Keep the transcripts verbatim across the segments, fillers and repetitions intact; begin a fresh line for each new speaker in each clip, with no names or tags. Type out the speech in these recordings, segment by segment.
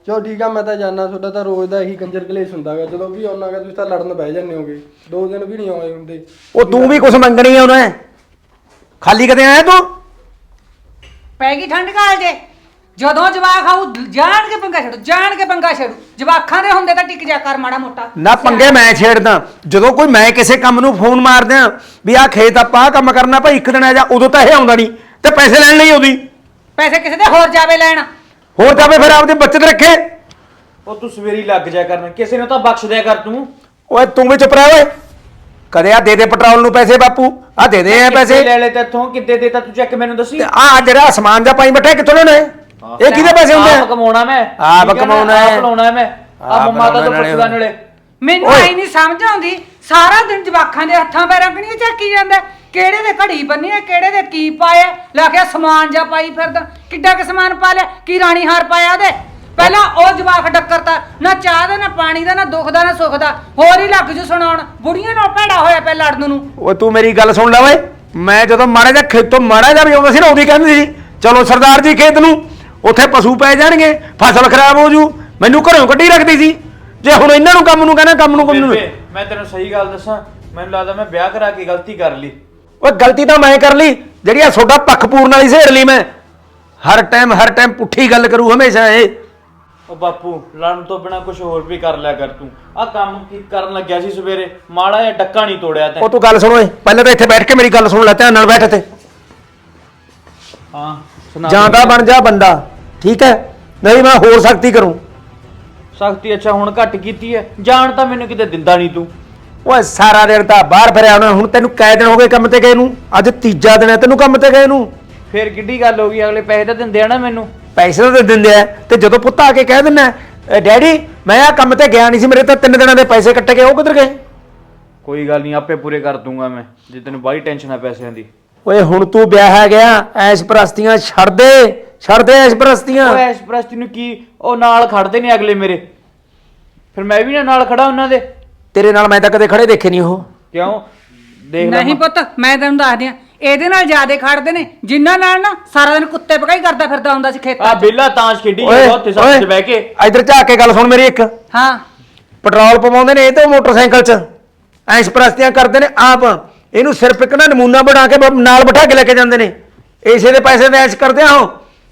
ਚਲੋ ਠੀਕ ਆ, ਮੈਂ ਤਾਂ ਜਾਣਾ। ਤੁਹਾਡਾ ਤਾਂ ਰੋਜ਼ ਦਾ ਇਹੀ ਕੰਜਰ ਕਲੇਸ਼ ਹੁੰਦਾ ਗਾ। ਜਦੋਂ ਵੀ ਆਉਣਾ ਗਾ ਤੁਸੀਂ ਤਾਂ ਲੜਨ ਬਹਿ ਜਾਂਦੇ ਹੋਗੇ। ਦੋ ਦਿਨ ਵੀ ਨਹੀਂ ਆਏ ਹੁੰਦੇ।
ਉਹ ਤੂੰ ਵੀ ਕੁਛ ਮੰਗਣੀ ਆ ਉਹਨੇ, ਖਾਲੀ ਕਦੇ ਆਇਆ ਤੂੰ?
ਪੈ ਗਈ ਠੰਡ ਕਾਲ ਜੇ ਜਦੋਂ ਜਵਾਕ ਆਊ ਜਾਣ ਕੇ ਪੰਗਾ ਛੱਡੂ, ਜਾਣ ਕੇ ਪੰਗਾ ਛੱਡੂ। ਜਵਾਕਾਂ ਦੇ ਹੁੰਦੇ ਤਾਂ ਟਿਕ ਜਾ ਕਰ ਮਾੜਾ ਮੋਟਾ
ਨਾ ਪੰਗੇ ਮੈਂ ਛੇੜਦਾ ਜਦੋਂ ਕੋਈ ਮੈਂ ਕਿਸੇ ਕੰਮ ਨੂੰ ਫੋਨ ਮਾਰਦਿਆਂ ਵੀ ਆਹ ਖੇਤ ਆਪਾਂ ਆਹ ਕੰਮ ਕਰਨਾ ਭਾਈ ਇੱਕ ਦਿਨ ਆ ਜਾ, ਉਦੋਂ ਤਾਂ ਇਹ ਆਉਂਦਾ ਨਹੀਂ ਤੇ ਪੈਸੇ ਲੈਣ ਲਈ ਆਉਂਦੀ।
ਪੈਸੇ ਕਿਸੇ ਦੇ ਹੋਰ ਜਾਵੇ ਲੈਣ,
ਹੋਰ ਜਾਵੇ ਫਿਰ ਆਪਦੀ ਬੱਚਤ ਰੱਖੇ।
ਉਹ ਤੂੰ ਸਵੇਰੀ ਲੱਗ ਜਾ ਕਰਨ, ਕਿਸੇ ਨੂੰ ਤਾਂ ਬਖਸ਼ ਦਿਆ ਕਰ ਤੂੰ।
ਓਏ ਤੂੰ ਵੀ ਚੁੱਪ ਰਹਿ ਓਏ। ਕਦੇ ਆ ਦੇ ਦੇ ਪੈਟਰੋਲ ਨੂੰ ਪੈਸੇ ਬਾਪੂ, ਆ ਦੇ ਦੇ ਆ ਪੈਸੇ।
ਲੈ ਲੈ ਤੇਥੋਂ ਕਿੱਦੇ ਦੇਤਾ ਤੂੰ, ਚੈੱਕ ਮੈਨੂੰ ਦੱਸੀ।
ਆ ਜਿਹੜਾ ਸਮਾਨ ਦਾ ਪਾਈ ਬੈਠਾ ਕਿੱਥੋਂ ਲੈਣਾ ਇਹ ਕਿਹਦੇ ਪੈਸੇ ਹੁੰਦੇ
ਆਪ ਕਮਾਉਣਾ ਮੈਂ,
ਆਪ ਕਮਾਉਣਾ ਹੈ,
ਆਪ ਲਾਉਣਾ ਮੈਂ। ਆ ਮੰਮਾ ਤਾਂ ਤੋਂ ਪੁੱਛਦਾ ਨਾਲੇ
ਮੈਨੂੰ ਆਈ ਨਹੀਂ ਸਮਝ ਆਉਂਦੀ। ਸਾਰਾ ਦਿਨ ਜਵਾਕਾਂ ਦੇ ਹੱਥਾਂ ਪੈਰਾਂ ਕਣੀਆਂ ਝਾਕੀ ਜਾਂਦਾ। ਕਿਹੜੇ ਦੇ ਘੜੀ ਬੰਨੀ ਹੈ, ਕਿਹੜੇ ਦੇ ਕੀ ਪਾਇਆ, ਲਾ ਕੇ ਸਮਾਨ ਜਾ ਪਾਈ ਫਿਰਦਾ। ਕਿੱਡਾ ਕੁ ਸਮਾਨ ਪਾ ਲਿਆ, ਕੀ ਰਾਣੀ ਹਾਰ ਪਾਇਆ ਉਹਦੇ। ਪਹਿਲਾਂ ਉਹ ਜਵਾਕ ਡੱਕਰਤਾ, ਨਾ ਚਾਹ ਦਾ ਨਾ ਪਾਣੀ ਦਾ ਨਾ ਦੁੱਖ ਦਾ ਨਾ ਸੁੱਖ ਦਾ, ਹੋਰ ਹੀ ਲੱਗ ਜੂ ਸੁਣਾਉਣ। ਬੁੜੀਆਂ ਨਾਲ ਭੈੜਾ ਹੋਇਆ ਪਿਆ ਲੜਨ ਨੂੰ।
ਓਏ ਤੂੰ ਮੇਰੀ ਗੱਲ ਸੁਣ ਲੈ ਓਏ। ਮੈਂ ਜਦੋਂ ਮਾੜਾ ਜਿਹਾ ਖੇਤੋਂ ਮਾੜਾ ਜਿਹਾ ਵੀ ਆਉਂਦਾ ਸੀ ਨਾ ਉਹਦੀ ਕਹਿੰਦੀ ਸੀ ਚਲੋ ਸਰਦਾਰ ਜੀ ਖੇਤ ਨੂੰ, ਉੱਥੇ ਪਸ਼ੂ ਪੈ ਜਾਣਗੇ, ਫਸਲ ਖਰਾਬ ਹੋ ਜੂ। ਮੈਨੂੰ ਘਰੋਂ ਕੱਢੀ ਰੱਖਦੀ ਸੀ। ਜੇ ਹੁਣ ਇਹਨਾਂ ਨੂੰ ਕੰਮ ਨੂੰ ਕਹਿੰਦਾ ਕੰਮ ਨੂੰ ਕੰਮ ਨੂੰ
ਮੈਂ ਤੈਨੂੰ ਸਹੀ ਗੱਲ ਦੱਸਾਂ, ਮੈਨੂੰ ਲੱਗਦਾ ਮੈਂ ਵਿਆਹ ਕਰਾ ਕੇ ਗਲਤੀ ਕਰ ਲਈ।
ਓਏ ਗਲਤੀ ਤਾਂ ਮੈਂ ਕਰ ਲਈ ਜਿਹੜੀ ਆ ਤੁਹਾਡਾ ਪੱਖ ਪੂਰਨ ਵਾਲੀ ਸਹੇੜ ਲਈ ਮੈਂ। ਹਰ ਟਾਈਮ ਹਰ ਟਾਈਮ ਪੁੱਠੀ ਗੱਲ ਕਰੂ ਹਮੇਸ਼ਾ ਇਹ।
ਉਹ ਬਾਪੂ ਲੜਨ ਤੋਂ ਬਿਨਾ ਕੁਝ ਹੋਰ ਵੀ ਕਰ ਲਿਆ ਕਰ ਤੂੰ। ਆ ਕੰਮ ਕੀ ਕਰਨ ਲੱਗਿਆ ਸੀ ਸਵੇਰੇ, ਮਾੜਾ ਜਿਹਾ ਡੱਕਾ ਨਹੀਂ ਤੋੜਿਆ ਤੈਂ।
ਉਹ ਤੂੰ ਗੱਲ ਸੁਣ ਓਏ, ਪਹਿਲਾਂ ਤਾਂ ਇੱਥੇ ਬੈਠ ਕੇ ਮੇਰੀ ਗੱਲ ਸੁਣ ਲੈ ਧਿਆਨ ਨਾਲ, ਬੈਠ ਤੇ।
ਹਾਂ ਸੁਣਾ।
ਜਾਂਦਾ ਬਣ ਜਾ ਬੰਦਾ, ਠੀਕ ਹੈ? ਨਹੀਂ ਮੈਂ ਹੋਰ ਸਖਤੀ ਕਰੂੰ।
ਸਖਤੀ ਅੱਛਾ ਹੁਣ ਘੱਟ ਕੀਤੀ ਹੈ, ਜਾਣ ਤਾਂ ਮੈਨੂੰ ਕਿਤੇ ਦਿੰਦਾ ਨਹੀਂ ਤੂੰ।
ਓਏ ਸਾਰਾ ਦਿਨ ਤਾਂ ਬਾਹਰ ਫਿਰਿਆ ਹੋਣਾ, ਹੁਣ ਤੈਨੂੰ ਕਈ ਦਿਨ ਹੋ ਗਏ ਕੰਮ ਤੇ ਗਏ ਨੂੰ, ਅੱਜ ਤੀਜਾ ਦਿਨ ਹੈ ਤੈਨੂੰ ਕੰਮ ਤੇ ਗਏ ਨੂੰ।
ਫੇਰ ਕਿੱਡੀ ਗੱਲ ਹੋ ਗਈ, ਅਗਲੇ ਪੈਸੇ ਤਾਂ ਦਿੰਦੇ ਆ ਨਾ ਮੈਨੂੰ।
ਪੈਸੇ ਤਾਂ ਦਿੰਦੇ ਆ, ਤੇ ਜਦੋਂ ਪੁੱਤ ਆ ਕੇ ਕਹਿ ਦਿੰਦਾ ਡੈਡੀ ਮੈਂ ਆ ਕੰਮ ਤੇ ਗਿਆ ਨਹੀਂ ਸੀ, ਮੇਰੇ ਤਾਂ ਤਿੰਨ ਦਿਨਾਂ ਦੇ ਪੈਸੇ ਕੱਟੇ ਗਏ, ਉਹ ਕਿੱਧਰ ਗਏ?
ਕੋਈ ਗੱਲ ਨਹੀਂ, ਆਪੇ ਪੂਰੇ ਕਰ ਦੂੰਗਾ ਮੈਂ, ਜੇ ਤੈਨੂੰ ਬਾਹਲੀ ਟੈਨਸ਼ਨ ਆ ਪੈਸਿਆਂ ਦੀ।
ਓਏ ਹੁਣ ਤੂੰ ਵਿਆਹ ਗਿਆ, ਐਸ਼ ਪ੍ਰਸਤੀਆਂ ਛੱਡ ਦੇ, ਛੱਡ ਦੇ ਐਸ਼ ਪ੍ਰਸਤੀਆਂ।
ਉਹ ਐਸ਼ ਪ੍ਰਸਤੀ ਨੂੰ ਕੀ, ਉਹ ਨਾਲ ਖੜਦੇ ਨੇ ਅਗਲੇ ਮੇਰੇ, ਫਿਰ ਮੈਂ ਵੀ ਨਾ ਨਾਲ ਖੜਾ ਉਹਨਾਂ ਦੇ।
ਤੇਰੇ ਨਾਲ ਮੈਂ ਤਾਂ ਕਦੇ ਖੜੇ ਦੇਖੇ ਨਹੀਂ। ਉਹ
ਕਿਉਂ ਦੇਖ ਲੈ
ਨਹੀਂ ਪੁੱਤ, ਮੈਂ ਤੈਨੂੰ ਦੱਸਦੀ ਆ, ਇਹਦੇ ਨਾਲ ਜ਼ਿਆਦੇ ਖੜਦੇ ਨੇ ਜਿਨ੍ਹਾਂ ਨਾਲ ਨਾ ਸਾਰਾ ਦਿਨ ਕੁੱਤੇ ਭਗਾਈ ਕਰਦਾ ਫਿਰਦਾ ਹੁੰਦਾ ਸੀ ਖੇਤਾਂ
ਆ
'ਚ।
ਬਿੱਲਾ ਤਾਂਸ਼ ਖੇਡੀ ਜਾਂਦਾ ਉੱਥੇ ਸੱਤ 'ਚ ਬਹਿ ਕੇ।
ਇਧਰ ਝਾਕ ਕੇ ਗੱਲ ਸੁਣ ਮੇਰੀ ਇੱਕ।
ਹਾਂ
ਪੈਟਰੋਲ ਪਵਾਉਂਦੇ ਨੇ ਇਹ ਤੇ ਮੋਟਰਸਾਈਕਲ 'ਚ, ਐਸ਼ ਪ੍ਰਸਤੀਆਂ ਕਰਦੇ ਨੇ ਆਪ। ਇਹਨੂੰ ਸਿਰਫ ਇੱਕ ਨਾ ਨਮੂਨਾ ਬਣਾ ਕੇ ਨਾਲ ਬਿਠਾ ਕੇ ਲੈ ਕੇ ਜਾਂਦੇ ਨੇ, ਇਸੇ ਦੇ ਪੈਸੇ ਤੇ ਐਸ਼ ਕਰਦੇ ਆ। ਉਹ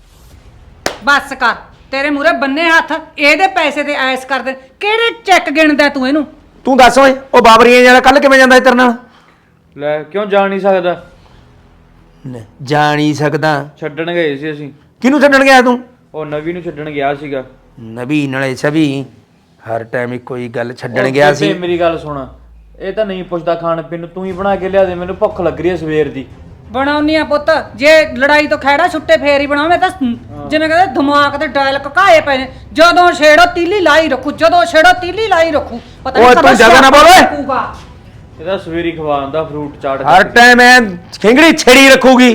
ਬਸ ਕਰ, ਤੇਰੇ ਮੂਰੇ ਬੰਨੇ ਹੱਥ, ਇਹਦੇ ਪੈਸੇ ਤੇ ਐਸ ਕਰਦੇ। ਕਿਹੜੇ ਚੈੱਕ ਗਿਣਦਾ ਤੂੰ ਇਹਨੂੰ?
ਤੂੰ ਦੱਸ ਓਏ, ਉਹ ਬਾਬਰੀਆਂ ਜਿਹੜਾ ਕੱਲ ਕਿਵੇਂ ਜਾਂਦਾ ਤੇਰੇ ਨਾਲ?
ਲੈ ਕਿਉਂ ਜਾ ਨਹੀਂ ਸਕਦਾ?
ਜਾ ਨਹੀਂ ਸਕਦਾ?
ਛੱਡਣ ਗਏ ਸੀ ਅਸੀਂ।
ਕਿਹਨੂੰ ਛੱਡਣ ਗਿਆ ਤੂੰ?
ਉਹ ਨਵੀ ਨੂੰ ਛੱਡਣ ਗਿਆ ਸੀਗਾ।
ਨਬੀ ਨਾਲੇ ਛਵੀ ਹਰ ਟਾਈਮ ਇੱਕੋ ਹੀ ਗੱਲ ਛੱਡਣ ਗਿਆ ਸੀ।
ਮੇਰੀ ਗੱਲ ਸੁਣ, ਇਹ ਤਾਂ ਨਹੀਂ ਪੁੱਛਦਾ ਖਾਣ ਪੀਣ ਨੂੰ, ਤੂੰ ਹੀ ਬਣਾ ਕੇ ਲਿਆ ਦੇ, ਮੈਨੂੰ ਭੁੱਖ ਲੱਗ ਰਹੀ ਹੈ ਸਵੇਰ ਦੀ।
ਬਣਾਉਣੀ ਆ ਪੁੱਤ, ਜੇ ਲੜਾਈ ਤੋਂ ਖੈੜਾ ਛੁੱਟੇ ਫੇਰ ਹੀ ਬਣਾਵੇਂ। ਤਾਂ ਜਿਵੇਂ ਕਹਿੰਦੇ ਦਿਮਾਗ ਤੇ ਡਾਇਲ ਕਕਾਏ ਪਏ ਨੇ, ਜਦੋਂ ਛੇੜੋ ਤੀਲੀ ਲਾਈ ਰੱਖੂ, ਜਦੋਂ ਛੇੜੋ ਤੀਲੀ ਲਾਈ ਰੱਖੂ। ਪਤਾ
ਓਏ ਤੂੰ ਜ਼ਿਆਦਾ ਨਾ ਬੋਲ ਓਏ।
ਇਹਦਾ ਸਵੇਰੀ ਖਵਾਉਂਦਾ ਫਰੂਟ ਚਾਟ,
ਹਰ ਟਾਈਮ ਐ ਖਿੰਗੜੀ ਛੇੜੀ ਰੱਖੂਗੀ।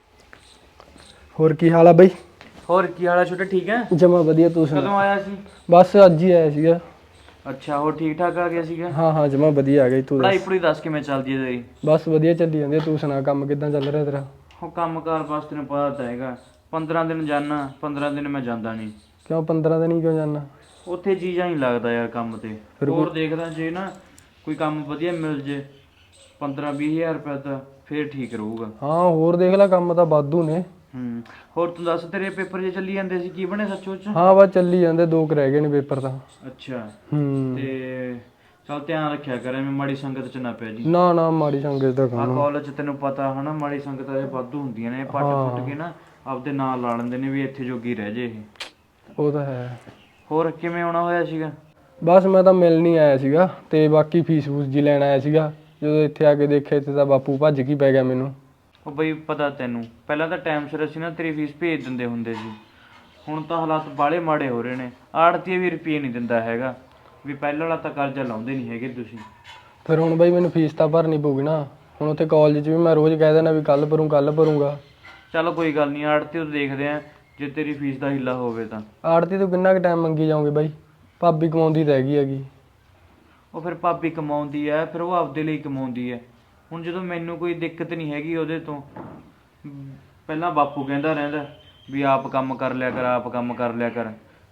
ਹੋਰ ਕੀ ਹਾਲ ਆ ਬਈ?
ਹੋਰ ਕੀ ਹਾਲ ਆ ਛੋਟੇ, ਠੀਕ ਹੈ?
ਜਮਾ ਵਧੀਆ, ਤੂੰ ਸੁਣਾ?
ਕਦੋਂ ਆਇਆ ਸੀ?
ਬਸ ਅੱਜ ਹੀ ਆਇਆ ਸੀਗਾ।
ਅੱਛਾ, ਹੋਰ ਠੀਕ ਠਾਕ ਆ ਗਿਆ ਸੀਗਾ?
ਹਾਂ ਹਾਂ ਜਮਾ ਵਧੀਆ ਆ ਗਈ। ਤੂੰ
ਪੜਾਈ
ਦੱਸ?
ਪੜੂਈ ਦੱਸ ਕਿਵੇਂ ਚੱਲਦੀ ਹੈ ਤੇਰੀ?
ਬਸ ਵਧੀਆ ਚੱਲੀ ਜਾਂਦੀ ਆ। ਤੂੰ ਸੁਣਾ, ਕੰਮ ਕਿੱਦਾਂ ਚੱਲ ਰਿਹਾ ਤੇਰਾ?
ਉਹ ਕੰਮ ਕਾਰ ਬਸ ਤੈਨੂੰ ਪਤਾ ਤਾਂ ਹੈਗਾ, ਪੰਦਰਾਂ ਦਿਨ ਜਾਣਾ, ਪੰਦਰਾਂ ਦਿਨ ਮੈਂ ਜਾਂਦਾ ਨਹੀਂ।
ਕਿਉਂ ਪੰਦਰਾਂ ਦਿਨ ਹੀ ਕਿਉਂ ਜਾਣਾ?
ਉੱਥੇ ਜੀਜਾ ਨਹੀਂ ਲੱਗਦਾ ਯਾਰ ਕੰਮ ਤੇ। ਹੋਰ ਦੇਖਦਾ ਜੇ ਨਾ ਕੋਈ ਕੰਮ ਵਧੀਆ ਮਿਲ ਜੇ ਪੰਦਰਾਂ ਵੀਹ ਹਜ਼ਾਰ ਰੁਪਏ ਦਾ, ਫੇਰ ਠੀਕ ਰਹੂਗਾ।
ਹਾਂ ਹੋਰ ਦੇਖ ਲੈ, ਕੰਮ ਤਾਂ ਵਾਧੂ ਨੇ।
ਹੂੰ ਹੋਰ ਤੂੰ ਦੱਸ, ਤੇਰੇ ਪੇਪਰ ਜੇ ਚੱਲੀ ਜਾਂਦੇ ਸੀ, ਕੀ ਬਣੇ ਸੱਚੋ ਚ?
ਹਾਂ ਬਸ ਚੱਲੀ ਜਾਂਦੇ, ਦੋ ਕੁ ਰਹਿ ਗਏ ਨੇ ਪੇਪਰ ਤਾਂ।
ਅੱਛਾ
ਹੂੰ
ਤੇ ਚੱਲ ਧਿਆਨ ਰੱਖਿਆ ਕਰ, ਐਵੇਂ ਮਾੜੀ ਸੰਗਤ ਚ ਨਾ ਪੈ ਜੀ।
ਨਾ ਨਾ ਮਾੜੀ ਸੰਗਤ ਦਾ
ਆ
ਕੰਮ।
ਕਾਲਜ ਚ ਤੈਨੂੰ ਪਤਾ ਹਨਾ, ਮਾੜੀ ਸੰਗਤਾਂ ਦੇ ਵਾਧੂ ਹੁੰਦੀਆਂ ਨੇ, ਪੱਟ ਪੁੱਟ ਕੇ ਨਾ ਆਪਦੇ ਨਾਂ ਲਾ ਲੈਂਦੇ ਨੇ ਵੀ ਇੱਥੇ ਜੋਗੀ ਰਹਿ ਜੇ ਇਹ।
ਉਹ ਤਾਂ ਹੈ।
ਹੋਰ ਕਿਵੇਂ ਆਉਣਾ ਹੋਇਆ ਸੀਗਾ?
ਬਸ ਮੈਂ ਤਾਂ ਮਿਲ ਨਹੀਂ ਆਇਆ ਸੀਗਾ, ਤੇ ਬਾਕੀ ਫੀਸ ਫੂਸ ਜੀ ਲੈਣ ਆਇਆ ਸੀਗਾ। ਜਦੋਂ ਇੱਥੇ ਆ ਕੇ ਦੇਖਿਆ ਇੱਥੇ ਤਾਂ ਬਾਪੂ ਭੱਜ ਕੇ ਪੈ ਗਿਆ ਮੈਨੂੰ।
ਉਹ ਬਈ ਪਤਾ ਤੈਨੂੰ, ਪਹਿਲਾਂ ਤਾਂ ਟਾਈਮ ਸਿਰ ਅਸੀਂ ਨਾ ਤੇਰੀ ਫੀਸ ਭੇਜ ਦਿੰਦੇ ਹੁੰਦੇ ਸੀ, ਹੁਣ ਤਾਂ ਹਾਲਾਤ ਬਾਹਲੇ ਮਾੜੇ ਹੋ ਰਹੇ ਨੇ। ਆੜਤੀ ਵੀ ਰੁਪਈਏ ਨਹੀਂ ਦਿੰਦਾ ਹੈਗਾ, ਵੀ ਪਹਿਲਾਂ ਵਾਲਾ ਤਾਂ ਕਰਜ਼ਾ ਲਾਉਂਦੇ ਨਹੀਂ ਹੈਗੇ ਤੁਸੀਂ।
ਫਿਰ ਹੁਣ ਬਈ ਮੈਨੂੰ ਫੀਸ ਤਾਂ ਭਰਨੀ ਪਊਗੀ ਨਾ। ਹੁਣ ਉੱਥੇ ਕਾਲਜ 'ਚ ਵੀ ਮੈਂ ਰੋਜ਼ ਕਹਿ ਦੇਣਾ ਵੀ ਕੱਲ ਭਰੂ ਕੱਲ ਭਰੂੰਗਾ।
ਚਲੋ ਕੋਈ ਗੱਲ ਨਹੀਂ, ਆੜਤੀ ਉਹ ਦੇਖਦੇ ਆ, ਜੇ ਤੇਰੀ ਫੀਸ ਦਾ ਹਿੱਲਾ ਹੋਵੇ ਤਾਂ।
ਆੜਤੀ ਤੋਂ ਕਿੰਨਾ ਕੁ ਟਾਈਮ ਮੰਗੀ ਜਾਓਗੇ ਬਾਈ? ਭਾਬੀ ਕਮਾਉਂਦੀ ਤਾਂ ਹੈਗੀ ਹੈਗੀ।
ਉਹ ਫਿਰ ਭਾਬੀ ਕਮਾਉਂਦੀ ਹੈ, ਫਿਰ ਉਹ ਆਪਦੇ ਲਈ ਕਮਾਉਂਦੀ ਹੈ। ਹੁਣ ਜਦੋਂ ਮੈਨੂੰ ਕੋਈ ਦਿੱਕਤ ਨਹੀਂ ਹੈਗੀ ਉਹਦੇ ਤੋਂ, ਪਹਿਲਾਂ ਬਾਪੂ ਕਹਿੰਦਾ ਰਹਿੰਦਾ ਵੀ ਆਪ ਕੰਮ ਕਰ ਲਿਆ ਕਰ, ਆਪ ਕੰਮ ਕਰ ਲਿਆ ਕਰ।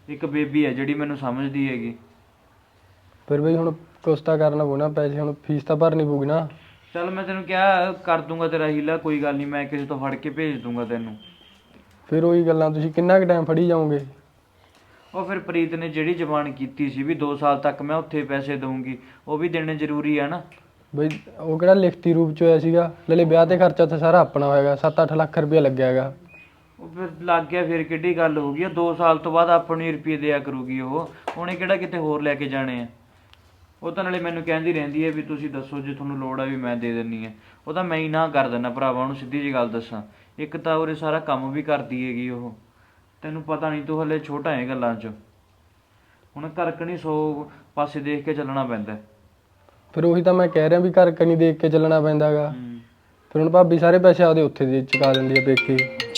ਇੱਕ ਬੇਬੀ ਹੈ ਜਿਹੜੀ ਮੈਨੂੰ ਸਮਝਦੀ ਹੈਗੀ।
ਫਿਰ ਬਈ ਹੁਣ ਕੁਛ ਤਾਂ ਕਰਨਾ ਪਊ ਨਾ, ਪੈਸੇ ਹੁਣ ਫੀਸ ਤਾਂ ਭਰਨੀ ਪਊਗੀ ਨਾ।
ਚੱਲ ਮੈਂ ਤੈਨੂੰ ਕਿਹਾ ਕਰ ਦੂੰਗਾ ਤੇਰਾ ਹੀਲਾ, ਕੋਈ ਗੱਲ ਨਹੀਂ, ਮੈਂ ਕਿਸੇ ਤੋਂ ਫੜ ਕੇ ਭੇਜ ਦੂੰਗਾ ਤੈਨੂੰ।
ਫਿਰ ਉਹੀ ਗੱਲਾਂ, ਤੁਸੀਂ ਕਿੰਨਾ ਕੁ ਟਾਈਮ ਫੜੀ ਜਾਓਗੇ?
ਉਹ ਫਿਰ ਪ੍ਰੀਤ ਨੇ ਜਿਹੜੀ ਜ਼ਬਾਨ ਕੀਤੀ ਸੀ ਵੀ ਦੋ ਸਾਲ ਤੱਕ ਮੈਂ ਉੱਥੇ ਪੈਸੇ ਦਊਂਗੀ, ਉਹ ਵੀ ਦੇਣੇ ਜ਼ਰੂਰੀ ਆ ਨਾ।
ਬਈ ਉਹ ਕਿਹੜਾ ਲਿਖਤੀ ਰੂਪ ਚ ਹੋਇਆ ਸੀਗਾ? ਨਾਲੇ ਵਿਆਹ ਤੇ ਖਰਚਾ ਤਾਂ ਸਾਰਾ ਆਪਣਾ ਹੋਏਗਾ, ਸੱਤ ਅੱਠ ਲੱਖ ਰੁਪਇਆ ਲੱਗਿਆ ਹੈਗਾ।
ਉਹ ਫਿਰ ਲੱਗ ਗਿਆ, ਫਿਰ ਕਿੱਡੀ ਗੱਲ ਹੋ ਗਈ ਆ? ਦੋ ਸਾਲ ਤੋਂ ਬਾਅਦ ਆਪਾਂ ਨੂੰ ਰੁਪਏ ਦਿਆ ਕਰੂਗੀ ਉਹ, ਉਹਨੇ ਕਿਹੜਾ ਕਿਤੇ ਹੋਰ ਲੈ ਕੇ ਜਾਣੇ ਆ। ਉਹ ਤਾਂ ਨਾਲੇ ਮੈਨੂੰ ਕਹਿੰਦੀ ਰਹਿੰਦੀ ਹੈ ਵੀ ਤੁਸੀਂ ਦੱਸੋ ਜੇ ਤੁਹਾਨੂੰ ਲੋੜ ਆ ਵੀ ਮੈਂ ਦੇ ਦਿੰਨੀ ਆ। ਉਹ ਤਾਂ ਮੈਂ ਹੀ ਨਾ ਕਰ ਦਿੰਦਾ ਭਰਾਵਾ, ਉਹਨੂੰ ਸਿੱਧੀ ਜਿਹੀ ਗੱਲ ਦੱਸਾਂ। ਇੱਕ ਤਾਂ ਉਰੇ ਸਾਰਾ ਕੰਮ ਵੀ ਕਰਦੀ ਹੈਗੀ ਉਹ, ਤੈਨੂੰ ਪਤਾ ਨਹੀਂ, ਤੂੰ ਹਲੇ ਛੋਟਾ ਹੈ ਗੱਲਾਂ 'ਚ। ਹੁਣ ਘਰਕਣੀ ਸੌ ਪਾਸੇ ਦੇਖ ਕੇ ਚੱਲਣਾ ਪੈਂਦਾ।
ਫਿਰ ਉਹੀ ਤਾਂ ਮੈਂ ਕਹਿ ਰਿਹਾ ਵੀ ਘਰ ਕਨੀ ਦੇਖ ਕੇ ਚੱਲਣਾ ਪੈਂਦਾ ਹੈਗਾ। ਫਿਰ ਹੁਣ ਭਾਬੀ ਸਾਰੇ ਪੈਸੇ ਆਪਦੇ ਉੱਥੇ ਦੇ ਚੁਕਾ ਦਿੰਦੀ ਆ ਪੇਕੇ।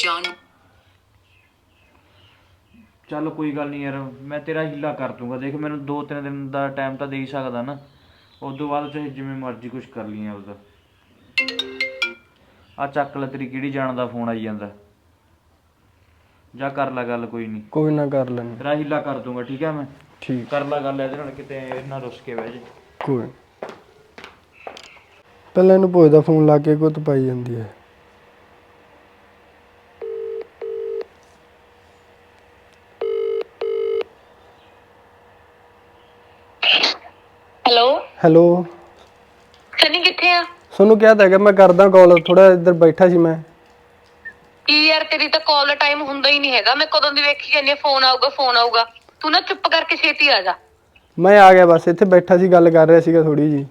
ਚੱਲ ਕੋਈ ਗੱਲ ਨਹੀਂ ਯਾਰ, ਮੈਂ ਤੇਰਾ ਹੀਲਾ ਕਰ ਦੂੰਗਾ। ਦੇਖ ਮੈਨੂੰ ਦੋ ਤਿੰਨ ਦਿਨ ਦਾ ਟਾਈਮ ਤਾਂ ਦੇ ਹੀ ਸਕਦਾ ਨਾ, ਉਸ ਤੋਂ ਬਾਅਦ ਚਾਹੇ ਜਿਵੇਂ ਮਰਜ਼ੀ ਕੁਛ ਕਰ ਲਈ ਉਹਦਾ। ਆ ਚੱਕ ਲੈ, ਤੇਰੀ ਕਿਹੜੀ ਜਾਣ ਦਾ ਫੋਨ ਆਈ ਜਾਂਦਾ, ਜਾ ਕਰ ਲੈ ਗੱਲ। ਕੋਈ ਨਹੀਂ,
ਕੋਈ ਨਾ ਕਰ ਲੈਣੀ।
ਤੇਰਾ ਹੀਲਾ ਕਰ ਦੂੰਗਾ, ਠੀਕ ਹੈ? ਮੈਂ
ਠੀਕ,
ਕਰ ਲੈ ਗੱਲ ਇਹਦੇ ਨਾਲ, ਕਿਤੇ ਇਹਨਾਂ ਰੁੱਸ ਕੇ ਬਹਿ ਜੇ।
ਕੋਈ ਪਹਿਲਾਂ ਇਹਨੂੰ ਪੁੱਛਦਾ, ਫੋਨ ਲਾ ਕੇ ਗੁੱਤ ਪਾਈ ਜਾਂਦੀ ਹੈ।
ਹੈਲੋ
ਹੈਲੋ
ਸਨੀ, ਕਿੱਥੇ ਆ?
ਤੁਹਾਨੂੰ ਕਿਹਾ ਤਾਂ ਹੈਗਾ ਮੈਂ ਕਰਦਾ ਕਾਲ, ਥੋੜਾ ਇੱਧਰ ਬੈਠਾ ਸੀ ਮੈਂ।
ਕੀ ਯਾਰ, ਤੇਰੀ ਤਾਂ ਕਾਲ ਦਾ ਟਾਈਮ ਹੁੰਦਾ ਹੀ ਨਹੀਂ ਹੈਗਾ। ਮੈਂ ਕਦੋਂ ਦੀ ਵੇਖੀ ਜਾਂਦੀ ਫੋਨ ਆਊਗਾ ਫੋਨ ਆਊਗਾ। ਤੂੰ ਨਾ ਚੁੱਪ ਕਰਕੇ ਛੇਤੀ ਆ ਜਾ।
ਮੈਂ ਆ ਗਿਆ, ਬਸ ਇੱਥੇ ਬੈਠਾ ਸੀ, ਗੱਲ ਕਰ ਰਿਹਾ ਸੀਗਾ ਥੋੜੀ ਜੀ।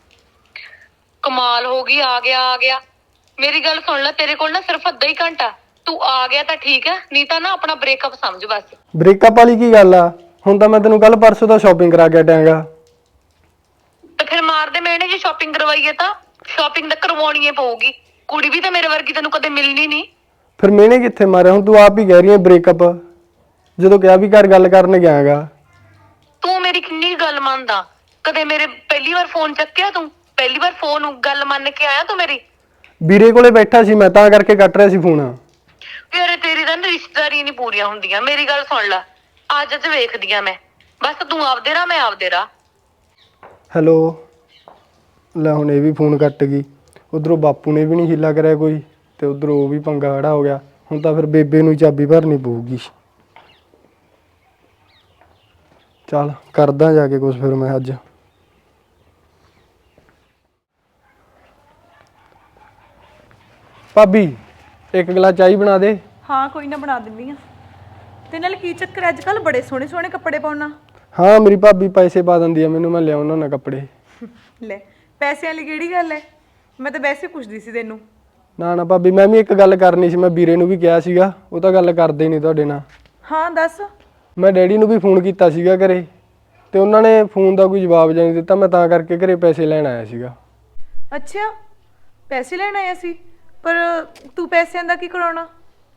ਕਮਾਲ ਹੋ ਗਈ, ਆ ਗਿਆ ਆ ਗਿਆ। ਮੇਰੀ ਗੱਲ ਸੁਣ ਲੈ, ਤੇਰੇ ਕੋਲ ਨਾ ਸਿਰਫ ਅੱਧਾ ਹੀ ਘੰਟਾ। ਤੂੰ ਆ ਗਿਆ ਤਾਂ ਠੀਕ ਹੈ, ਨਹੀਂ ਤਾਂ ਨਾ ਆਪਣਾ ਬ੍ਰੇਕਅਪ ਸਮਝ ਬਸ।
ਬ੍ਰੇਕਅਪ ਵਾਲੀ ਕੀ ਗੱਲ ਆ? ਹੁਣ ਤਾਂ ਮੈਂ ਤੈਨੂੰ ਕੱਲ ਪਰਸੋਂ ਦਾ ਸ਼ਾਪਿੰਗ ਕਰਾ ਕੇ ਹਟਿਆਂਗਾ।
ਤੇ ਫਿਰ ਮਾਰਦੇ ਮੈਨੇ ਜੇ ਸ਼ਾਪਿੰਗ ਕਰਵਾਈਏ ਤਾਂ ਸ਼ਾਪਿੰਗ ਤਾਂ ਕਰਵਾਉਣੀ ਹੀ ਪਊਗੀ। ਕੁੜੀ ਵੀ ਤਾਂ ਮੇਰੇ ਵਰਗੀ ਤੈਨੂੰ ਕਦੇ ਮਿਲਣੀ ਨਹੀਂ।
ਫਿਰ ਮੈਨੇ ਕਿੱਥੇ ਮਾਰਿਆ? ਹੁਣ ਤੂੰ ਆਪ ਹੀ ਕਹਿ ਰਹੀ ਹੈ ਬ੍ਰੇਕਅਪ, ਜਦੋਂ ਕਿਹਾ ਵੀ ਘਰ ਗੱਲ ਕਰਨ ਗਿਆਗਾ।
ਤੂੰ ਮੇਰੀ ਕਿੰਨੀ ਗੱਲ ਮੰਨਦਾ? ਕਦੇ ਮੇਰੇ ਪਹਿਲੀ ਵਾਰ ਫੋਨ ਚੱਕਿਆ ਤੂੰ? ਪਹਿਲੀ ਵਾਰ ਫੋਨ ਗੱਲ ਮੰਨ ਕੇ ਆਇਆ ਤੂੰ ਮੇਰੀ?
ਵੀਰੇ ਕੋਲੇ ਬੈਠਾ ਸੀ ਮੈਂ, ਤਾਂ ਕਰਕੇ ਕੱਟ ਰਿਹਾ ਸੀ ਫੋਨ।
ਯਾਰ ਤੇਰੀ ਤਾਂ ਰਿਸ਼ਤੇਦਾਰੀ ਨਹੀਂ ਪੂਰੀਆਂ ਹੁੰਦੀਆਂ। ਮੇਰੀ ਗੱਲ ਸੁਣ ਲੈ, ਅੱਜ ਅੱਜ ਵੇਖਦੀ ਆ ਮੈਂ, ਬਸ ਤੂੰ ਆਪਦੇ ਰਾਹ ਮੈਂ ਆਪਦੇ ਰਾਹ।
ਹੈਲੋ, ਲੈ ਹੁਣ ਇਹ ਵੀ ਫੋਨ ਕੱਟ ਗਈ। ਉਧਰੋਂ ਬਾਪੂ ਨੇ ਵੀ ਨਹੀਂ ਹੀਲਾ ਕਰਿਆ ਕੋਈ, ਤੇ ਉਧਰੋਂ ਉਹ ਵੀ ਪੰਗਾ ਖੜਾ ਹੋ ਗਿਆ। ਹੁਣ ਤਾਂ ਫਿਰ ਬੇਬੇ ਨੂੰ ਚਾਬੀ ਭਰਨੀ ਪਊਗੀ। ਚੱਲ ਕਰਦਾ ਜਾ ਕੇ ਕੁਛ ਫਿਰ ਮੈਂ ਅੱਜ। ਭਾਬੀ ਇੱਕ ਗਲਾਸ ਚਾਹ ਬਣਾ ਦੇ।
ਹਾਂ ਕੋਈ ਨਾ, ਬਣਾ ਦਿੰਦੀ ਆ। ਤੇ ਨਾਲ ਕੀ ਚੱਕਰ, ਅੱਜ ਕੱਲ ਬੜੇ ਸੋਹਣੇ ਸੋਹਣੇ ਕੱਪੜੇ ਪਾਉਣਾ।
ਹਾਂ ਮੇਰੀ ਭਾਬੀ ਪੈਸੇ ਪਾ ਦਿੰਦੀ ਆ ਮੈਨੂੰ, ਮੈਂ ਲਿਆਉਣਾ ਨਾ ਕੱਪੜੇ।
ਲੈ ਪੈਸਿਆਂ ਵਾਲੀ ਕਿਹੜੀ ਗੱਲ ਹੈ? ਮੈਂ ਤਾਂ ਵੈਸੇ ਪੁੱਛਦੀ ਸੀ ਤੈਨੂੰ।
ਨਾ ਨਾ ਭਾਬੀ, ਮੈਂ ਵੀ ਇੱਕ ਗੱਲ ਕਰਨੀ ਸੀ। ਮੈਂ ਵੀਰੇ ਨੂੰ ਵੀ ਕਿਹਾ ਸੀਗਾ, ਉਹ ਤਾਂ ਗੱਲ ਕਰਦੇ ਨਹੀਂ ਤੁਹਾਡੇ ਨਾਲ।
ਹਾਂ ਦੱਸ।
ਮੈਂ ਡੈਡੀ ਨੂੰ ਵੀ ਫੋਨ ਕੀਤਾ ਸੀਗਾ ਘਰੇ, ਤੇ ਉਹਨਾਂ ਨੇ ਫੋਨ ਦਾ ਕੋਈ ਜਵਾਬ ਜਾਂ ਨਹੀਂ ਦਿੱਤਾ। ਮੈਂ ਤਾਂ ਕਰਕੇ ਘਰੇ ਪੈਸੇ ਲੈਣ ਆਇਆ ਸੀਗਾ।
ਅੱਛਾ, ਪੈਸੇ ਲੈਣ ਆਇਆ ਸੀ? ਪਰ ਤੂੰ ਪੈਸਿਆਂ ਦਾ ਕੀ ਕਰਾਉਣਾ?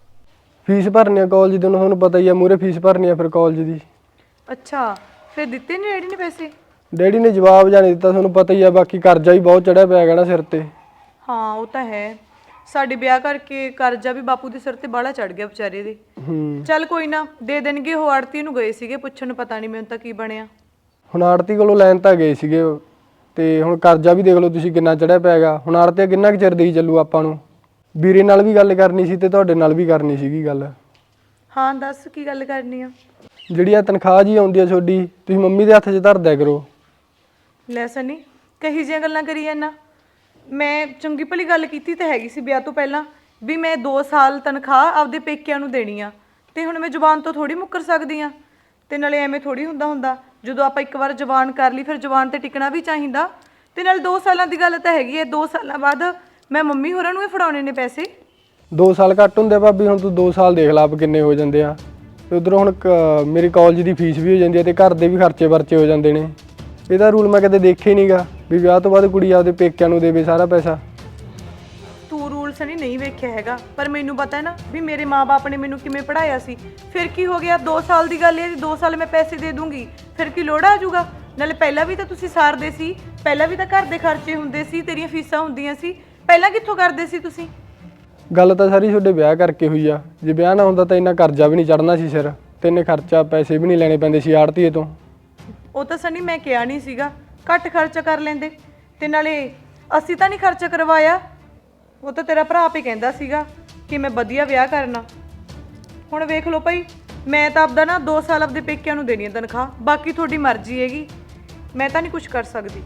ਫੀਸ ਭਰਨੀ ਆ ਕਾਲਜ ਦੀ, ਤੁਹਾਨੂੰ ਪਤਾ ਹੀ ਆ, ਮੂਹਰੇ ਫੀਸ ਭਰਨੀ ਆ ਫਿਰ ਕਾਲਜ ਦੀ।
ਅੱਛਾ, ਫਿਰ ਦਿੱਤੇ ਨਹੀਂ ਡੈਡੀ ਨੇ ਪੈਸੇ?
ਡੈਡੀ ਨੇ ਜਵਾਬ ਜਾਂ ਨਹੀਂ ਦਿੱਤਾ, ਤੁਹਾਨੂੰ ਪਤਾ ਹੀ ਆ। ਬਾਕੀ ਕਰਜ਼ਾ ਵੀ ਬਹੁਤ ਚੜਿਆ ਪਿਆ ਹੈਗਾ ਨਾ ਸਿਰ ਤੇ।
ਹਾਂ ਉਹ ਤਾਂ ਹੈ, ਸਾਡੇ ਵਿਆਹ ਕਰਕੇ ਕਰਜ਼ਾ ਵੀ ਬਾਪੂ ਦੇ ਸਿਰ ਤੇ ਬਾਹਲਾ ਚੜ ਗਿਆ ਵਿਚਾਰੇ ਦੇ।
ਹੂੰ,
ਚੱਲ ਕੋਈ ਨਾ, ਦੇ ਦੇਣਗੇ। ਉਹ ਆੜਤੀ ਨੂੰ ਗਏ ਸੀਗੇ ਪੁੱਛਣ, ਪਤਾ ਨਹੀਂ ਮੈਨੂੰ ਤਾਂ ਕੀ ਬਣਿਆ।
ਹੁਣ ਆੜਤੀ ਕੋਲੋਂ ਲੈਣ ਤਾਂ ਗਏ ਸੀਗੇ, ਤੇ ਹੁਣ ਕਰਜ਼ਾ ਵੀ ਦੇਖ ਲਓ ਤੁਸੀਂ ਕਿੰਨਾ ਚੜਿਆ ਪਿਆ ਹੈਗਾ। ਹੁਣ ਆੜਤੀ ਕਿੰਨਾ ਕੁ ਚਿਰ ਦੇਈ ਚੱਲੂ ਆਪਾਂ ਨੂੰ? ਵੀਰੇ ਨਾਲ ਵੀ ਗੱਲ ਕਰਨੀ ਸੀ ਤੇ ਤੁਹਾਡੇ ਨਾਲ ਵੀ ਕਰਨੀ ਸੀਗੀ ਗੱਲ।
ਹਾਂ ਦੱਸ, ਕੀ ਗੱਲ ਕਰਨੀ ਆ?
ਜਿਹੜੀ ਆ ਤਨਖਾਹ ਜੀ ਆਉਂਦੀ ਆ ਤੁਹਾਡੀ, ਤੁਸੀਂ ਮੰਮੀ ਦੇ ਹੱਥ 'ਚ ਧਰ ਦਿਆ ਕਰੋ।
ਲੈ ਸਨੀ, ਕਹੀ ਜਿਹੀਆਂ ਗੱਲਾਂ ਕਰੀ ਜਾਂਦਾ। ਮੈਂ ਚੰਗੀ ਭਲੀ ਗੱਲ ਕੀਤੀ ਤਾਂ ਹੈਗੀ ਸੀ ਵਿਆਹ ਤੋਂ ਪਹਿਲਾਂ ਵੀ ਮੈਂ ਦੋ ਸਾਲ ਤਨਖਾਹ ਆਪਦੇ ਪੇਕਿਆਂ ਨੂੰ ਦੇਣੀ ਆ, ਤੇ ਹੁਣ ਮੈਂ ਜ਼ੁਬਾਨ ਤੋਂ ਥੋੜੀ ਮੁੱਕਰ ਸਕਦੀ ਆ। ਤੇ ਨਾਲੇ ਐਵੇਂ ਥੋੜੀ ਹੁੰਦਾ ਹੁੰਦਾ, ਜਦੋਂ ਆਪਾਂ ਇੱਕ ਵਾਰ ਜ਼ੁਬਾਨ ਕਰ ਲਈ ਫਿਰ ਜ਼ੁਬਾਨ ਤੇ ਟਿਕਣਾ ਵੀ ਚਾਹੀਦਾ। ਤੇ ਨਾਲ ਦੋ ਸਾਲਾਂ ਦੀ ਗੱਲ ਤਾਂ ਹੈਗੀ ਹੈ, ਦੋ ਸਾਲਾਂ ਬਾਅਦ ਮੈਂ ਮੰਮੀ ਹੋਰਾਂ ਨੂੰ ਹੀ ਫੜਾਉਣੇ ਨੇ ਪੈਸੇ।
ਦੋ ਸਾਲ ਘੱਟ ਹੁੰਦੇ ਆ ਭਾਬੀ? ਹੁਣ ਤੂੰ ਦੋ ਸਾਲ ਦੇਖ ਲਾ ਆਪ ਕਿੰਨੇ ਹੋ ਜਾਂਦੇ ਆ। ਤੇ ਉਧਰੋਂ ਹੁਣ ਕ- ਮੇਰੀ ਕਾਲਜ ਦੀ ਫੀਸ ਵੀ ਹੋ ਜਾਂਦੀ ਹੈ, ਤੇ ਘਰ ਦੇ ਵੀ ਖਰਚੇ ਵਰਚੇ ਹੋ ਜਾਂਦੇ ਨੇ। ਇਹਦਾ ਰੂਲ ਮੈਂ ਕਦੇ ਦੇਖਿਆ ਹੀ ਨਹੀਂਗਾ ਵੀ ਵਿਆਹ ਤੋਂ ਬਾਅਦ ਕੁੜੀ ਆਪਦੇ ਪੇਕਿਆਂ ਨੂੰ ਦੇਵੇ ਸਾਰਾ ਪੈਸਾ।
ਤੂੰ ਰੂਲ ਸਨੀ ਨਹੀਂ ਵੇਖਿਆ ਹੈਗਾ, ਪਰ ਮੈਨੂੰ ਪਤਾ ਹੈ ਨਾ ਵੀ ਮੇਰੇ ਮਾਪੇ ਨੇ ਮੈਨੂੰ ਕਿਵੇਂ ਪੜ੍ਹਾਇਆ ਸੀ। ਫਿਰ ਕੀ ਹੋ ਗਿਆ, ਦੋ ਸਾਲ ਦੀ ਗੱਲ ਹੈ ਜੀ, ਦੋ ਸਾਲ ਮੈਂ ਪੈਸੇ ਦੇ ਦੂੰਗੀ, ਫਿਰ ਕੀ ਲੋੜ ਆ ਜਾਊਗਾ? ਨਾਲੇ ਪਹਿਲਾਂ ਵੀ ਤਾਂ ਤੁਸੀਂ ਸਾਰਦੇ ਸੀ, ਪਹਿਲਾਂ ਵੀ ਤਾਂ ਘਰ ਦੇ ਖਰਚੇ ਹੁੰਦੇ ਸੀ, ਤੇਰੀਆਂ ਫੀਸਾਂ ਹੁੰਦੀਆਂ ਸੀ, ਪਹਿਲਾਂ ਕਿੱਥੋਂ ਕਰਦੇ ਸੀ ਤੁਸੀਂ?
ਗੱਲ ਤਾਂ ਸਾਰੀ ਤੁਹਾਡੇ ਵਿਆਹ ਕਰਕੇ ਹੋਈ ਆ। ਜੇ ਵਿਆਹ ਨਾ ਹੁੰਦਾ ਤਾਂ ਇੰਨਾ ਕਰਜ਼ਾ ਵੀ ਨਹੀਂ ਚੜਨਾ ਸੀ ਸਿਰ। ਤੈਨੇ ਖਰਚਾ ਪੈਸੇ ਵੀ ਨਹੀਂ ਲੈਣੇ ਪੈਂਦੇ ਸੀ ਆੜਤੀਏ ਤੋਂ।
ਉਹ ਤਾਂ ਸਨੀ ਮੈਂ ਕਿਹਾ ਨਹੀਂ ਸੀਗਾ ਘੱਟ ਖਰਚਾ ਕਰ ਲੈਂਦੇ, ਤੇ ਨਾਲੇ ਅਸੀਂ ਤਾਂ ਨਹੀਂ ਖਰਚਾ ਕਰਵਾਇਆ, ਉਹ ਤਾਂ ਤੇਰਾ ਭਰਾ ਆਪੇ ਕਹਿੰਦਾ ਸੀਗਾ ਕਿ ਮੈਂ ਵਧੀਆ ਵਿਆਹ ਕਰਨਾ। ਹੁਣ ਵੇਖ ਲਓ ਭਾਈ, ਮੈਂ ਤਾਂ ਆਪਦਾ ਨਾ ਦੋ ਸਾਲ ਆਪਦੇ ਪੇਕਿਆਂ ਨੂੰ ਦੇਣੀ ਹੈ ਤਨਖਾਹ, ਬਾਕੀ ਤੁਹਾਡੀ ਮਰਜ਼ੀ ਹੈਗੀ, ਮੈਂ ਤਾਂ ਨਹੀਂ ਕੁਝ ਕਰ ਸਕਦੀ।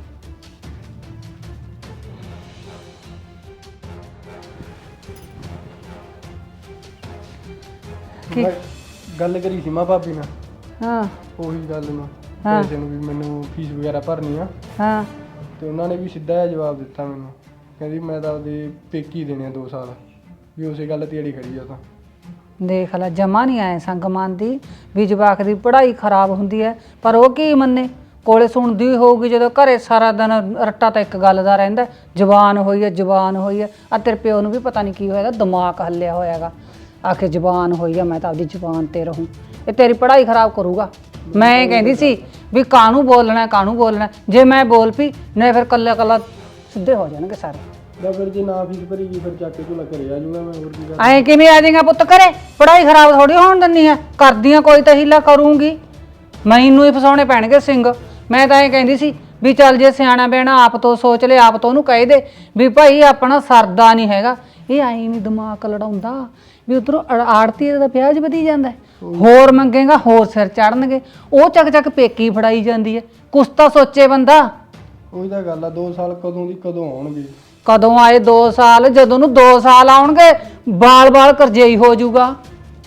ਮੈਂ ਗੱਲ ਕਰੀ ਸੀ ਮਾਂ ਭਾਬੀ ਨਾਲ,
ਹਾਂ
ਉਹੀ ਗੱਲ ਨੂੰ ਪੈਸੇ ਨੂੰ ਵੀ ਮੈਨੂੰ ਫੀਸ ਵਗੈਰਾ ਭਰਨੀ ਆ,
ਹਾਂ
ਤੇ ਉਹਨਾਂ ਨੇ ਵੀ ਸਿੱਧਾ ਜਿਹਾ ਜਵਾਬ ਦਿੱਤਾ ਮੈਨੂੰ, ਕਹਿੰਦੀ ਮੈਂ ਤਾਂ ਆਪਦੇ ਪੇਕੀ ਦੇਣੇ ਆ ਦੋ ਸਾਲ, ਵੀ ਉਸੇ ਗੱਲ ਤੇ ਅੜੀ ਖੜੀ ਆ ਤਾਂ।
ਦੇਖ ਲੈ, ਜਮਾ ਨਹੀਂ ਆਏ ਸੰਗ ਮੰਨਦੀ ਵੀ ਜਵਾਕ ਦੀ ਪੜ੍ਹਾਈ ਖਰਾਬ ਹੁੰਦੀ ਹੈ, ਪਰ ਉਹ ਕੀ ਮੰਨੇ, ਕੋਲੇ ਸੁਣਦੀ ਹੋਊਗੀ ਜਦੋਂ ਘਰੇ ਸਾਰਾ ਦਿਨ ਰੱਟਾ ਤਾਂ ਇੱਕ ਗੱਲ ਦਾ ਰਹਿੰਦਾ, ਜ਼ਬਾਨ ਹੋਈ ਹੈ ਜ਼ਬਾਨ ਹੋਈ ਹੈ। ਆ ਤੇਰੇ ਪਿਓ ਨੂੰ ਵੀ ਪਤਾ ਨਹੀਂ ਕੀ ਹੋਇਆ, ਦਿਮਾਗ ਹੱਲਿਆ ਹੋਇਆਗਾ, ਆਖੇ ਜ਼ਬਾਨ ਹੋਈ ਆ, ਮੈਂ ਤਾਂ ਆਪਦੀ ਜ਼ਬਾਨ ਤੇ ਰਹੂੰ, ਇਹ ਤੇਰੀ ਪੜ੍ਹਾਈ ਖਰਾਬ ਕਰੂਗਾ। ਮੈਂ ਕਹਿੰਦੀ ਸੀ ਵੀ ਕਾਹਨੂੰ ਬੋਲਣਾ ਕਾਹਨੂੰ ਬੋਲਣਾ, ਜੇ ਮੈਂ ਬੋਲ ਪਈ ਨਹੀਂ ਫਿਰ ਕੱਲਾ ਕੱਲਾ ਸਿੱਧੇ ਹੋ ਜਾਣਗੇ ਸਾਰੇ।
ਦਾ ਫਿਰ ਜੇ ਨਾ ਫੀਸ ਭਰੀਗੀ ਫਿਰ ਚੱਕ ਕੇ ਝੋਲਾ ਘਰੇ ਆ ਜਾਊਗਾ ਮੈਂ, ਹੋਰ ਕੀ ਕਰ।
ਐਂ ਕਿਵੇਂ ਆ ਜਾਏਗਾ ਪੁੱਤ ਘਰੇ, ਪੜ੍ਹਾਈ ਖਰਾਬ ਥੋੜੀ ਹੋਣ ਦਿੰਦੀ ਆ, ਕਰਦੀਆਂ ਕੋਈ ਤਾਂ ਹੀਲਾ ਕਰੂੰਗੀ, ਮੈਨੂੰ ਹੀ ਫਸਾਉਣੇ ਪੈਣਗੇ ਸਿੰਘ। ਮੈਂ ਤਾਂ ਇਹ ਕਹਿੰਦੀ ਸੀ ਵੀ ਚੱਲ ਜੇ ਸਿਆਣਾ ਬਹਿਣਾ ਆਪ ਤੋਂ ਸੋਚ ਲੈ, ਆਪ ਤੋਂ ਉਹਨੂੰ ਕਹਿ ਦੇ ਵੀ ਭਾਈ ਆਪਣਾ ਸਰਦਾ ਨਹੀਂ ਹੈਗਾ। ਇਹ ਆਈ ਨਹੀਂ ਦਿਮਾਗ ਲੜਾਉਂਦਾ ਵੀ ਉਧਰੋਂ ਆੜਤੀ ਦਾ ਵਿਆਜ ਵਧੀ ਜਾਂਦਾ, ਹੋਰ ਮੰਗੇਗਾ ਹੋਰ ਸਿਰ ਚੜਨਗੇ, ਉਹ ਚੱਕ ਚੱਕ ਪੇਕੀ ਫੜਾਈ ਜਾਂਦੀ ਹੈ, ਕੁਛ ਤਾਂ ਸੋਚੇ ਬੰਦਾ।
ਉਹੀ ਤਾਂ ਗੱਲ ਆ, ਦੋ ਸਾਲ ਕਦੋਂ ਦੀ ਕਦੋਂ ਆਉਣਗੇ।
ਕਦੋਂ ਆਏ ਦੋ ਸਾਲ, ਜਦੋਂ ਨੂੰ ਦੋ ਸਾਲ ਆਉਣਗੇ ਬਾਲ ਬਾਲ ਕਰਜਈ ਹੋ ਜਾਊਗਾ।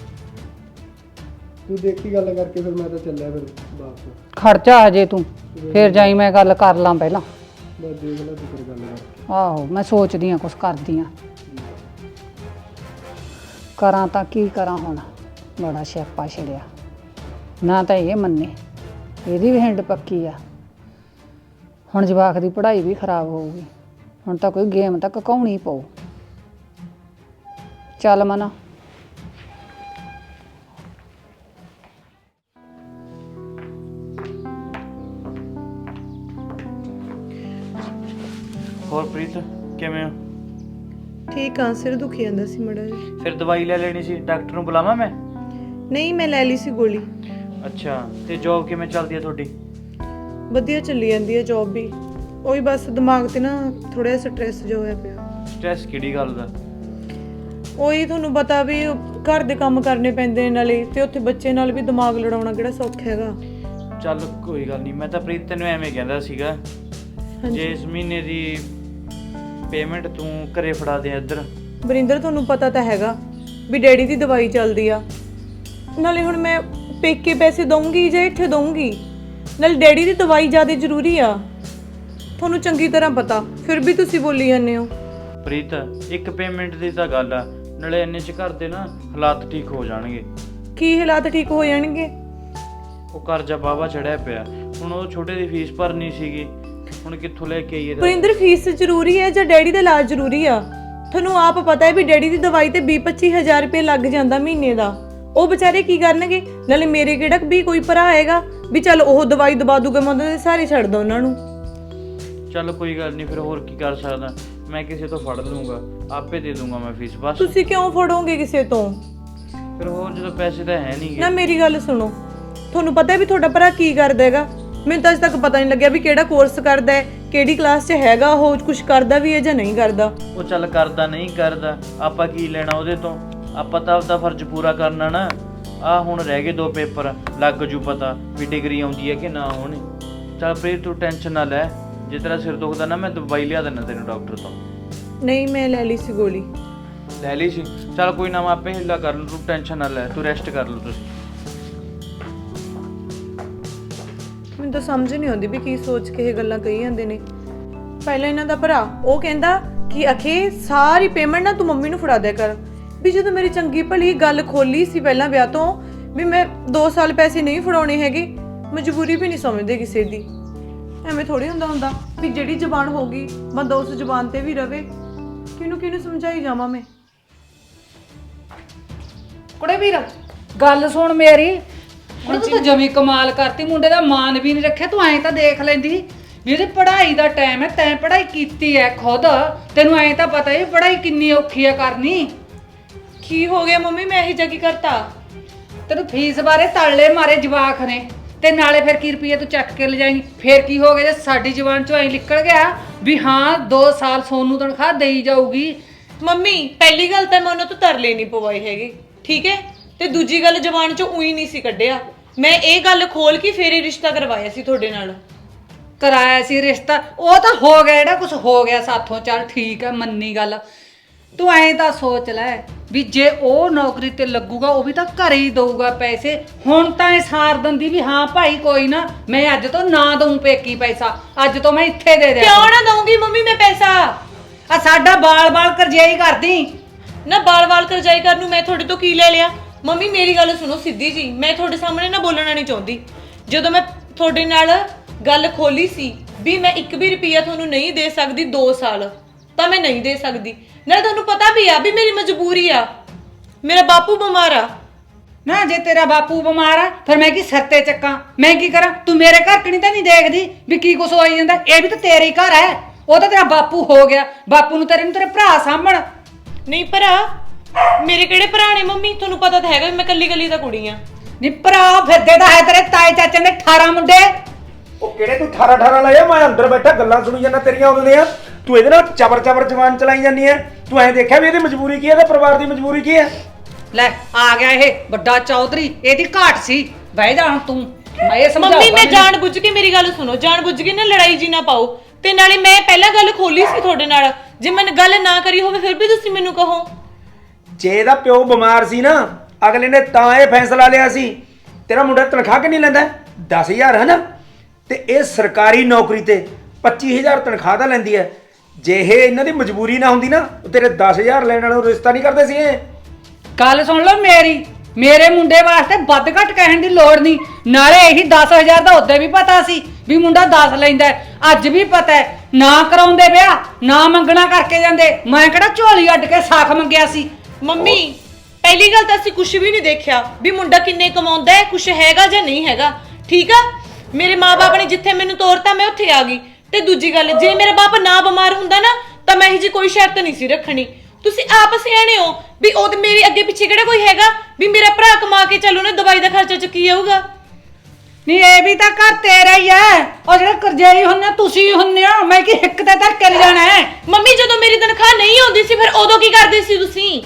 ਤੂੰ ਦੇਖੀ ਗੱਲ ਕਰਕੇ ਫਿਰ ਮੈਂ ਤਾਂ ਚੱਲਿਆ ਫਿਰ ਵਾਪਸ।
ਖਰਚਾ ਹਜੇ ਤੂੰ ਫਿਰ ਜਾਈ, ਮੈਂ ਗੱਲ ਕਰ ਲਾਂ ਪਹਿਲਾਂ।
ਬਸ ਦੇਖ ਲੈ ਤੂੰ ਫਿਰ ਗੱਲ ਕਰਕੇ।
ਆਹੋ ਮੈਂ ਸੋਚਦੀ ਆ ਕੁਛ ਕਰਦੀ ਆ, ਕਰਾਂ ਤਾਂ ਕੀ ਕਰਾਂ ਹੁਣ, ਬੜਾ ਸਿਆਪਾ ਛਿੜਿਆ ਨਾ, ਤਾਂ ਇਹ ਮੰਨੇ ਇਹਦੀ ਵੀ ਹਿੰਡ ਪੱਕੀ ਆ, ਹੁਣ ਜਵਾਕ ਦੀ ਪੜ੍ਹਾਈ ਵੀ ਖਰਾਬ ਹੋਊਗੀ, ਹੁਣ ਤਾਂ ਕੋਈ ਗੇਮ ਤਾਂ ਕਕਾਉਣੀ ਪਊ। ਚੱਲ ਮਨਾ।
ਹੋਰ ਪ੍ਰੀਤ ਕਿਵੇਂ ਹੋ?
ਠੀਕ ਆ, ਸਿਰ ਦੁਖੀ ਜਾਂਦਾ ਸੀ ਮੜਾ ਜੀ।
ਫਿਰ ਦਵਾਈ ਲੈ ਲੈਣੀ ਸੀ, ਡਾਕਟਰ ਨੂੰ ਬੁਲਾਵਾਂ ਮੈਂ?
ਨਹੀਂ ਮੈਂ ਲੈ ਲਈ ਸੀ ਗੋਲੀ।
ਅੱਛਾ, ਤੇ ਜੌਬ ਕਿਵੇਂ ਚੱਲਦੀ ਹੈ ਤੁਹਾਡੀ?
ਵਧੀਆ ਚੱਲੀ ਜਾਂਦੀ ਹੈ ਜੌਬ ਵੀ, ਉਹੀ ਬਸ ਦਿਮਾਗ ਤੇ ਨਾ ਥੋੜਾ ਜਿਹਾ ਸਟ੍ਰੈਸ ਜਿਹਾ ਹੋਇਆ ਪਿਆ।
ਸਟ੍ਰੈਸ ਕਿਹੜੀ ਗੱਲ ਦਾ?
ਉਹੀ ਤੁਹਾਨੂੰ ਪਤਾ ਵੀ ਘਰ ਦੇ ਕੰਮ ਕਰਨੇ ਪੈਂਦੇ ਨੇ ਨਾਲੇ, ਤੇ ਉੱਥੇ ਬੱਚੇ ਨਾਲ ਵੀ ਦਿਮਾਗ ਲੜਾਉਣਾ ਕਿਹੜਾ ਸੌਖਾ ਹੈਗਾ।
ਚੱਲ ਕੋਈ ਗੱਲ ਨਹੀਂ, ਮੈਂ ਤਾਂ ਪ੍ਰੀਤ ਤੈਨੂੰ ਐਵੇਂ ਕਹਿੰਦਾ ਸੀਗਾ, ਜੇ ਇਸ ਮਹੀਨੇ ਦੀ ਪੇਮੈਂਟ ਤੂੰ ਘਰੇ ਫੜਾ ਦੇ ਇੱਧਰ।
ਵਰਿੰਦਰ ਤੁਹਾਨੂੰ ਪਤਾ ਤਾਂ ਹੈਗਾ ਵੀ ਡੈਡੀ ਦੀ ਦਵਾਈ ਚੱਲਦੀ ਆ, ਨਾਲੇ ਹੁਣ ਮੈਂ ਪੇਕੇ ਪੈਸੇ ਦਊਂਗੀ ਜਾਂ ਇੱਥੇ ਦਊਂਗੀ, ਨਾਲੇ ਡੈਡੀ ਦੀ ਦਵਾਈ ਜ਼ਿਆਦਾ ਜ਼ਰੂਰੀ ਆ, ਤੁਹਾਨੂੰ ਚੰਗੀ ਤਰ੍ਹਾਂ ਪਤਾ, ਫਿਰ ਵੀ ਤੁਸੀਂ ਬੋਲੀ ਜਾਂਦੇ ਹੋ।
ਪ੍ਰੀਤ ਇੱਕ ਪੇਮੈਂਟ ਦੀ ਤਾਂ ਗੱਲ ਆ, ਨਾਲੇ ਇੰਨੇ ਚ ਘਰ ਦੇ ਨਾ ਹਾਲਾਤ ਠੀਕ ਹੋ ਜਾਣਗੇ।
ਕੀ ਹਾਲਾਤ ਠੀਕ ਹੋ ਜਾਣਗੇ?
ਉਹ ਕਰਜ਼ਾ ਬਾਵਾ ਚੜਿਆ ਪਿਆ, ਹੁਣ ਉਹ ਛੋਟੇ ਦੀ ਫੀਸ ਭਰਨੀ ਸੀਗੀ, ਹੁਣ ਕਿੱਥੋਂ ਲੈ ਕੇ ਆਈਏ?
ਵਰਿੰਦਰ ਫੀਸ ਜ਼ਰੂਰੀ ਹੈ ਜਾਂ ਡੈਡੀ ਦਾ ਇਲਾਜ ਜ਼ਰੂਰੀ ਆ? ਤੁਹਾਨੂੰ ਆਪ ਪਤਾ ਹੈ ਵੀ ਡੈਡੀ ਦੀ ਦਵਾਈ ਤੇ ਵੀਹ ਪੱਚੀ ਹਜ਼ਾਰ ਰੁਪਏ ਲੱਗ ਜਾਂਦਾ ਮਹੀਨੇ ਦਾ, ਉਹ ਵਿਚਾਰੇ ਕੀ ਕਰਨਗੇ? ਨਾਲੇ ਮੇਰੇ ਕਿਹੜਾ ਵੀ ਕੋਈ ਭਰਾ ਹੈਗਾ ਵੀ ਚੱਲ ਉਹ ਦਵਾਈ ਦਵਾ ਦੂਗਾ, ਮੈਂ ਉਹਨਾਂ ਦੇ ਸਾਰੇ ਛੱਡ ਦਾਂ ਉਹਨਾਂ ਨੂੰ।
ਚੱਲ ਕੋਈ ਗੱਲ ਨਹੀਂ, ਫਿਰ ਹੋਰ ਕੀ ਕਰ ਸਕਦਾ, ਮੈਂ ਕਿਸੇ ਤੋਂ ਫੜ ਲੂੰਗਾ, ਆਪੇ ਦੇ ਦੂੰਗਾ ਮੈਂ ਫੀਸ ਬਸ।
ਤੁਸੀਂ ਕਿਉਂ ਫੜੋਗੇ ਕਿਸੇ ਤੋਂ?
ਫਿਰ ਹੋਰ ਜਦੋਂ ਪੈਸੇ ਤਾਂ ਹੈ ਨਹੀਂ
ਨਾ ਮੇਰੀ ਗੱਲ ਸੁਣੋ, ਤੁਹਾਨੂੰ ਪਤਾ ਹੈ ਵੀ ਤੁਹਾਡਾ ਭਰਾ ਕੀ ਕਰਦਾ ਹੈਗਾ? ਮੈਨੂੰ ਤਾਂ ਅਜੇ ਤੱਕ ਪਤਾ ਨਹੀਂ ਲੱਗਿਆ ਵੀ ਕਿਹੜਾ ਕੋਰਸ ਕਰਦਾ ਹੈ, ਕਿਹੜੀ ਕਲਾਸ 'ਚ ਹੈਗਾ, ਉਹ ਕੁਝ ਕਰਦਾ ਵੀ ਹੈ ਜਾਂ ਨਹੀਂ ਕਰਦਾ।
ਉਹ ਚੱਲ ਕਰਦਾ ਨਹੀਂ ਕਰਦਾ, ਆਪਾਂ ਕੀ ਲੈਣਾ ਉਹਦੇ ਤੋਂ, ਆਪਾਂ ਤਾਂ ਆਪਦਾ ਫਰਜ਼ ਪੂਰਾ ਕਰਨਾ ਨਾ। ਆਹ ਹੁਣ ਰਹਿ ਗਏ ਦੋ ਪੇਪਰ, ਲੱਗ ਜੂ ਪਤਾ ਵੀ ਡਿਗਰੀ ਆਉਂਦੀ ਹੈ ਕਿ ਨਾ ਆਉਣੀ। ਚੱਲ ਪ੍ਰੀਤ ਤੂੰ ਟੈਨਸ਼ਨ ਨਾ ਲੈ, ਜੇ ਤੇਰਾ ਸਿਰ ਦੁਖਦਾ ਨਾ ਮੈਂ ਦਵਾਈ ਲਿਆ ਦੇਣਾ ਤੈਨੂੰ ਡਾਕਟਰ ਤੋਂ।
ਨਹੀਂ ਮੈਂ ਲੈ ਲਈ ਸੀ ਗੋਲੀ।
ਲੈ ਲਈ ਸੀ? ਚੱਲ ਕੋਈ ਨਾ, ਮੈਂ ਆਪੇ ਹਿੱਲਾ ਕਰ ਲੂ, ਤੂੰ ਟੈਨਸ਼ਨ ਨਾ ਲੈ, ਤੂੰ ਰੈਸਟ ਕਰ ਲਓ ਤੁਸੀਂ।
ਮੈਨੂੰ ਤਾਂ ਸਮਝ ਨਹੀਂ ਆਉਂਦੀ ਵੀ ਕੀ ਸੋਚ ਕੇ ਇਹ ਗੱਲਾਂ ਕਹੀ ਜਾਂਦੇ ਨੇ। ਪਹਿਲਾਂ ਇਹਨਾਂ ਦਾ ਭਰਾ ਉਹ ਕਹਿੰਦਾ ਕਿ ਅਖੇ ਸਾਰੀ ਪੇਮੈਂਟ ਨਾ ਤੂੰ ਮੰਮੀ ਨੂੰ ਫੜਾ ਦਿਆ ਕਰ, ਵੀ ਜਦੋਂ ਮੇਰੀ ਚੰਗੀ ਭਲੀ ਗੱਲ ਖੋਲੀ ਸੀ ਪਹਿਲਾਂ ਵਿਆਹ ਤੋਂ ਵੀ ਮੈਂ ਦੋ ਸਾਲ ਪੈਸੇ ਨਹੀਂ ਫੜਾਉਣੇ ਹੈਗੇ, ਮਜਬੂਰੀ ਵੀ ਨਹੀਂ ਸਮਝਦੇ ਕਿਸੇ ਦੀ। ਐਵੇਂ ਥੋੜੀ ਹੁੰਦਾ ਹੁੰਦਾ ਵੀ ਜਿਹੜੀ ਜ਼ਬਾਨ ਹੋਗੀ ਬੰਦਾ ਉਸ ਜ਼ਬਾਨ ਤੇ ਵੀ ਰਵੇ। ਕਿਹਨੂੰ ਕਿਹਨੂੰ ਸਮਝਾਈ ਜਾਵਾਂ ਮੈਂ?
ਕੁੜੇ ਵੀਰ ਗੱਲ ਸੁਣ ਮੇਰੀ, ਹੁਣ ਤੂੰ ਤਾਂ ਜਮੀ ਕਮਾਲ ਕਰਤੀ, ਮੁੰਡੇ ਦਾ ਮਾਨ ਵੀ ਨਹੀਂ ਰੱਖਿਆ। ਤੂੰ ਐਂ ਤਾਂ ਦੇਖ ਲੈਂਦੀ ਵੀ ਇਹਦੀ ਪੜ੍ਹਾਈ ਦਾ ਟਾਈਮ ਹੈ, ਤੈਂ ਪੜ੍ਹਾਈ ਕੀਤੀ ਹੈ ਖੁਦ, ਤੈਨੂੰ ਐਂ ਤਾਂ ਪਤਾ ਹੈ ਪੜ੍ਹਾਈ ਕਿੰਨੀ ਔਖੀ ਆ ਕਰਨੀ।
ਕੀ ਹੋ ਗਿਆ ਮੰਮੀ, ਮੈਂ ਇਹ ਜਾ ਕੀ ਕਰਤਾ?
ਤੈਨੂੰ ਫੀਸ ਬਾਰੇ ਤੜਲੇ ਮਾਰੇ ਜਵਾਕ ਨੇ ਤੇ ਨਾਲੇ ਫਿਰ ਕੀ ਰੁਪਈਏ ਤੂੰ ਚੱਕ ਕੇ ਲਿਜਾਏਂਗੀ। ਫਿਰ ਕੀ ਹੋ ਗਿਆ ਜੇ ਸਾਡੀ ਜ਼ੁਬਾਨ ਚੋਂ ਐਂ ਨਿਕਲ ਗਿਆ ਵੀ ਹਾਂ ਦੋ ਸਾਲ ਸੋਨੂੰ ਤਨਖਾਹ ਦੇਈ ਜਾਊਗੀ।
ਮੰਮੀ ਪਹਿਲੀ ਗੱਲ ਤਾਂ ਮੈਂ ਉਹਨਾਂ ਤੋਂ ਤਰਲੇ ਨਹੀਂ ਪਵਾਈ ਹੈਗੀ, ਠੀਕ ਹੈ, ਤੇ ਦੂਜੀ ਗੱਲ ਜ਼ਬਾਨ ਚੋਂ ਉਹੀ ਨਹੀਂ ਸੀ ਕੱਢਿਆ। ਮੈਂ ਇਹ ਗੱਲ ਖੋਲ ਕੇ ਫੇਰ ਹੀ ਰਿਸ਼ਤਾ ਕਰਵਾਇਆ ਸੀ ਤੁਹਾਡੇ ਨਾਲ।
ਕਰਾਇਆ ਸੀ ਰਿਸ਼ਤਾ, ਉਹ ਤਾਂ ਹੋ ਗਿਆ ਜਿਹੜਾ ਕੁਝ ਹੋ ਗਿਆ ਸਾਥੋਂ, ਚੱਲ ਠੀਕ ਹੈ ਮੰਨੀ ਗੱਲ। ਤੂੰ ਐਂ ਤਾਂ ਸੋਚ ਲੈ ਵੀ ਜੇ ਉਹ ਨੌਕਰੀ ਤੇ ਲੱਗੂਗਾ ਉਹ ਵੀ ਤਾਂ ਘਰੇ ਹੀ ਦਊਗਾ ਪੈਸੇ। ਹੁਣ ਤਾਂ ਇਹ ਸਾਰ ਦਿੰਦੀ ਵੀ ਹਾਂ ਭਾਈ ਕੋਈ ਨਾ ਮੈਂ ਅੱਜ ਤੋਂ ਨਾ ਦਊਂ ਪੇਕੀ ਪੈਸਾ, ਅੱਜ ਤੋਂ ਮੈਂ ਇੱਥੇ ਦੇ ਦਿਆਂ।
ਕਿਉਂ ਨਾ ਦਊਂਗੀ ਮੰਮੀ ਮੈਂ ਪੈਸਾ?
ਆ ਸਾਡਾ ਬਾਲ-ਬਾਲ ਕਰਜਾਈ ਕਰਦੀ
ਨਾ ਬਾਲ-ਬਾਲ ਕਰਜਾਈ ਕਰਨ ਨੂੰ ਮੈਂ ਤੁਹਾਡੇ ਤੋਂ ਕੀ ਲੈ ਲਿਆ? ਮੰਮੀ ਮੇਰੀ ਗੱਲ ਸੁਣੋ ਸਿੱਧੀ ਜੀ, ਮੈਂ ਤੁਹਾਡੇ ਸਾਹਮਣੇ ਨਾ ਬੋਲਣਾ ਨਹੀਂ ਚਾਹੁੰਦੀ। ਜਦੋਂ ਮੈਂ ਤੁਹਾਡੇ ਨਾਲ ਗੱਲ ਖੋਲੀ ਸੀ ਵੀ ਮੈਂ ਇੱਕ ਵੀ ਰੁਪਈਆ ਤੁਹਾਨੂੰ ਨਹੀਂ ਦੇ ਸਕਦੀ ਦੋ ਸਾਲ, ਤਾਂ ਮੈਂ ਨਹੀਂ ਦੇ ਸਕਦੀ। ਨਾ ਤੁਹਾਨੂੰ ਪਤਾ ਵੀ ਆ ਵੀ ਮੇਰੀ ਮਜਬੂਰੀ ਆ, ਮੇਰਾ ਬਾਪੂ ਬਿਮਾਰ ਆ।
ਨਾ ਜੇ ਤੇਰਾ ਬਾਪੂ ਬਿਮਾਰ ਆ ਫਿਰ ਮੈਂ ਕੀ ਸਿਰ ਤੇ ਚੱਕਾਂ, ਮੈਂ ਕੀ ਕਰਾਂ? ਤੂੰ ਮੇਰੇ ਘਰ ਕਣੀ ਤਾਂ ਨਹੀਂ ਦੇਖਦੀ ਵੀ ਕੀ ਕੁਛ ਹੋਈ ਜਾਂਦਾ? ਇਹ ਵੀ ਤਾਂ ਤੇਰੇ ਹੀ ਘਰ ਹੈ, ਉਹ ਤਾਂ ਤੇਰਾ ਬਾਪੂ ਹੋ ਗਿਆ। ਬਾਪੂ ਨੂੰ ਤੇਰੇ ਨੂੰ ਤੇਰੇ ਭਰਾ ਸਾਂਭਣ।
ਨਹੀਂ ਭਰਾ ਮੇਰੇ ਕਿਹੜੇ ਭਰਾ ਨੇ ਮੰਮੀ? ਤੁਹਾਨੂੰ ਪਤਾ ਤਾਂ ਹੈਗਾ ਵੀ ਮੈਂ ਕੱਲੀ ਕੱਲੀ ਤਾਂ ਕੁੜੀ ਆ।
ਨੀ ਭਰਾ ਫਿਰਦੇ ਤਾਂ ਹੈ ਤੇਰੇ ਤਾਏ ਚਾਚੇ ਦੇ ਅਠਾਰਾਂ ਮੁੰਡੇ।
ਉਹ ਕਿਹੜੇ ਤੂੰ ਅਠਾਰਾਂ ਅਠਾਰਾਂ ਲਾਇਆ? ਮੈਂ ਅੰਦਰ ਬੈਠਾ ਗੱਲਾਂ ਸੁਣੀ ਜਾਂਦਾ ਤੇਰੀਆਂ ਉਦੋਂ ਦੀਆਂ। ਤੂੰ ਇਹਦੇ ਨਾਲ ਚਬਰ ਚਬਰ ਜਵਾਨ ਚਲਾਈ ਜਾਂਦੀ ਐ। ਤੂੰ ਐਂ ਦੇਖਿਆ ਵੀ ਇਹਦੀ ਮਜਬੂਰੀ ਕੀ ਹੈ ਤੇ ਪਰਿਵਾਰ ਦੀ ਮਜਬੂਰੀ ਕੀ ਹੈ?
ਲੈ ਆ ਗਿਆ ਇਹ ਵੱਡਾ ਚੌਧਰੀ, ਇਹਦੀ ਘਾਟ ਸੀ। ਬਹਿ ਜਾ ਹੁਣ ਤੂੰ, ਮੈਂ ਇਹ ਸਮਝਾਉਂਦਾ।
ਮੰਮੀ ਮੈਂ ਜਾਣ ਬੁੱਝ ਕੇ, ਮੇਰੀ ਗੱਲ ਸੁਣੋ, ਜਾਣ ਬੁੱਝ ਕੇ ਨਾ ਲੜਾਈ ਜੀ ਨਾ ਪਾਓ। ਤੇ ਨਾਲੇ ਮੈਂ ਪਹਿਲਾਂ ਗੱਲ ਖੋਲੀ ਸੀ ਤੁਹਾਡੇ ਨਾਲ, ਜੇ ਮੈਂ ਗੱਲ ਨਾ ਕਰੀ ਹੋਵੇ ਫਿਰ ਵੀ ਤੁਸੀਂ ਮੈਨੂੰ ਕਹੋ।
ਜੇ ਇਹਦਾ ਪਿਓ ਬਿਮਾਰ ਸੀ ਨਾ, ਅਗਲੇ ਨੇ ਤਾਂ ਇਹ ਫੈਸਲਾ ਲਿਆ ਸੀ। ਤੇਰਾ ਮੁੰਡਾ ਤਨਖਾਹ ਕਿੰਨੀ ਲੈਂਦਾ? ਦਸ ਹਜ਼ਾਰ ਹੈ ਨਾ, ਤੇ ਇਹ ਸਰਕਾਰੀ ਨੌਕਰੀ ਤੇ ਪੱਚੀ ਹਜ਼ਾਰ ਤਨਖਾਹ ਤਾਂ ਲੈਂਦੀ ਹੈ। ਜੇ ਇਹ ਇਹਨਾਂ ਦੀ ਮਜਬੂਰੀ ਨਾ ਹੁੰਦੀ ਨਾ, ਤੇਰੇ ਦਸ ਹਜ਼ਾਰ ਲੈਣ ਵਾਲੋਂ ਰਿਸ਼ਤਾ ਨਹੀਂ ਕਰਦੇ ਸੀ ਇਹ।
ਗੱਲ ਸੁਣ ਲਓ ਮੇਰੀ, ਮੇਰੇ ਮੁੰਡੇ ਵਾਸਤੇ ਵੱਧ ਘੱਟ ਕਹਿਣ ਦੀ ਲੋੜ ਨਹੀਂ। ਨਾਲੇ ਇਹੀ ਦਸ ਹਜ਼ਾਰ ਦਾ ਉਦੋਂ ਵੀ ਪਤਾ ਸੀ ਵੀ ਮੁੰਡਾ ਦਸ ਲੈਂਦਾ, ਅੱਜ ਵੀ ਪਤਾ ਹੈ। ਨਾ ਕਰਾਉਂਦੇ ਵਿਆਹ, ਨਾ ਮੰਗਣਾ ਕਰਕੇ ਜਾਂਦੇ। ਮੈਂ ਕਿਹੜਾ ਝੋਲੀ ਅੱਡ ਕੇ ਸਾਖ ਮੰਗਿਆ ਸੀ?
ਮੰਮੀ ਪਹਿਲੀ ਗੱਲ ਤਾਂ ਅਸੀਂ ਕੁਝ ਵੀ ਨਹੀਂ ਦੇਖਿਆ ਵੀ ਮੁੰਡਾ ਕਿੰਨੇ ਕਮਾਉਂਦਾ ਹੈ, ਕੁਝ ਹੈਗਾ ਜਾਂ ਨਹੀਂ ਹੈਗਾ, ਠੀਕ ਆ। ਮੇਰੇ ਮਾਪੇ ਨੇ ਜਿੱਥੇ ਮੈਨੂੰ ਤੋਰਤਾ ਮੈਂ ਉੱਥੇ ਆ ਗਈ। ਤੇ ਦੂਜੀ ਗੱਲ, ਜੇ ਮੇਰਾ ਬਾਪ ਨਾ ਬਿਮਾਰ ਹੁੰਦਾ ਨਾ ਤਾਂ ਮੈਂ ਇਹ ਜੀ ਕੋਈ ਸ਼ਰਤ ਨਹੀਂ ਸੀ ਰੱਖਣੀ। ਤੁਸੀਂ ਆਪ ਸਿਆਣੇ ਹੋ ਵੀ ਉਹ ਤੇ ਮੇਰੇ ਅੱਗੇ ਪਿੱਛੇ ਕਿਹੜਾ ਕੋਈ ਹੈਗਾ ਵੀ ਮੇਰਾ ਭਰਾ ਕਮਾ ਕੇ ਚੱਲੂ ਨਾ ਦਵਾਈ ਦਾ ਖਰਚਾ ਚੁੱਕੀ ਜਾਊਗਾ।
ਨਹੀਂ ਇਹ ਵੀ ਤਾਂ ਘਰ ਤੇਰਾ ਹੀ ਹੈ, ਉਹ ਜਿਹੜੇ ਕਰਜਾਈ ਹੁੰਨੇ ਤੁਸੀਂ ਹੁੰਨੇ ਹੋ। ਮੈਂ ਕੀ ਹਿੱਕ ਤੇ ਧਰ ਕੇ ਜਾਣਾ ਹੈ?
ਮੰਮੀ ਜਦੋਂ ਮੇਰੀ ਤਨਖਾਹ ਨਹੀਂ ਆਉਂਦੀ ਸੀ ਫਿਰ ਉਦੋਂ ਕੀ ਕਰਦੇ ਸੀ ਤੁਸੀਂ?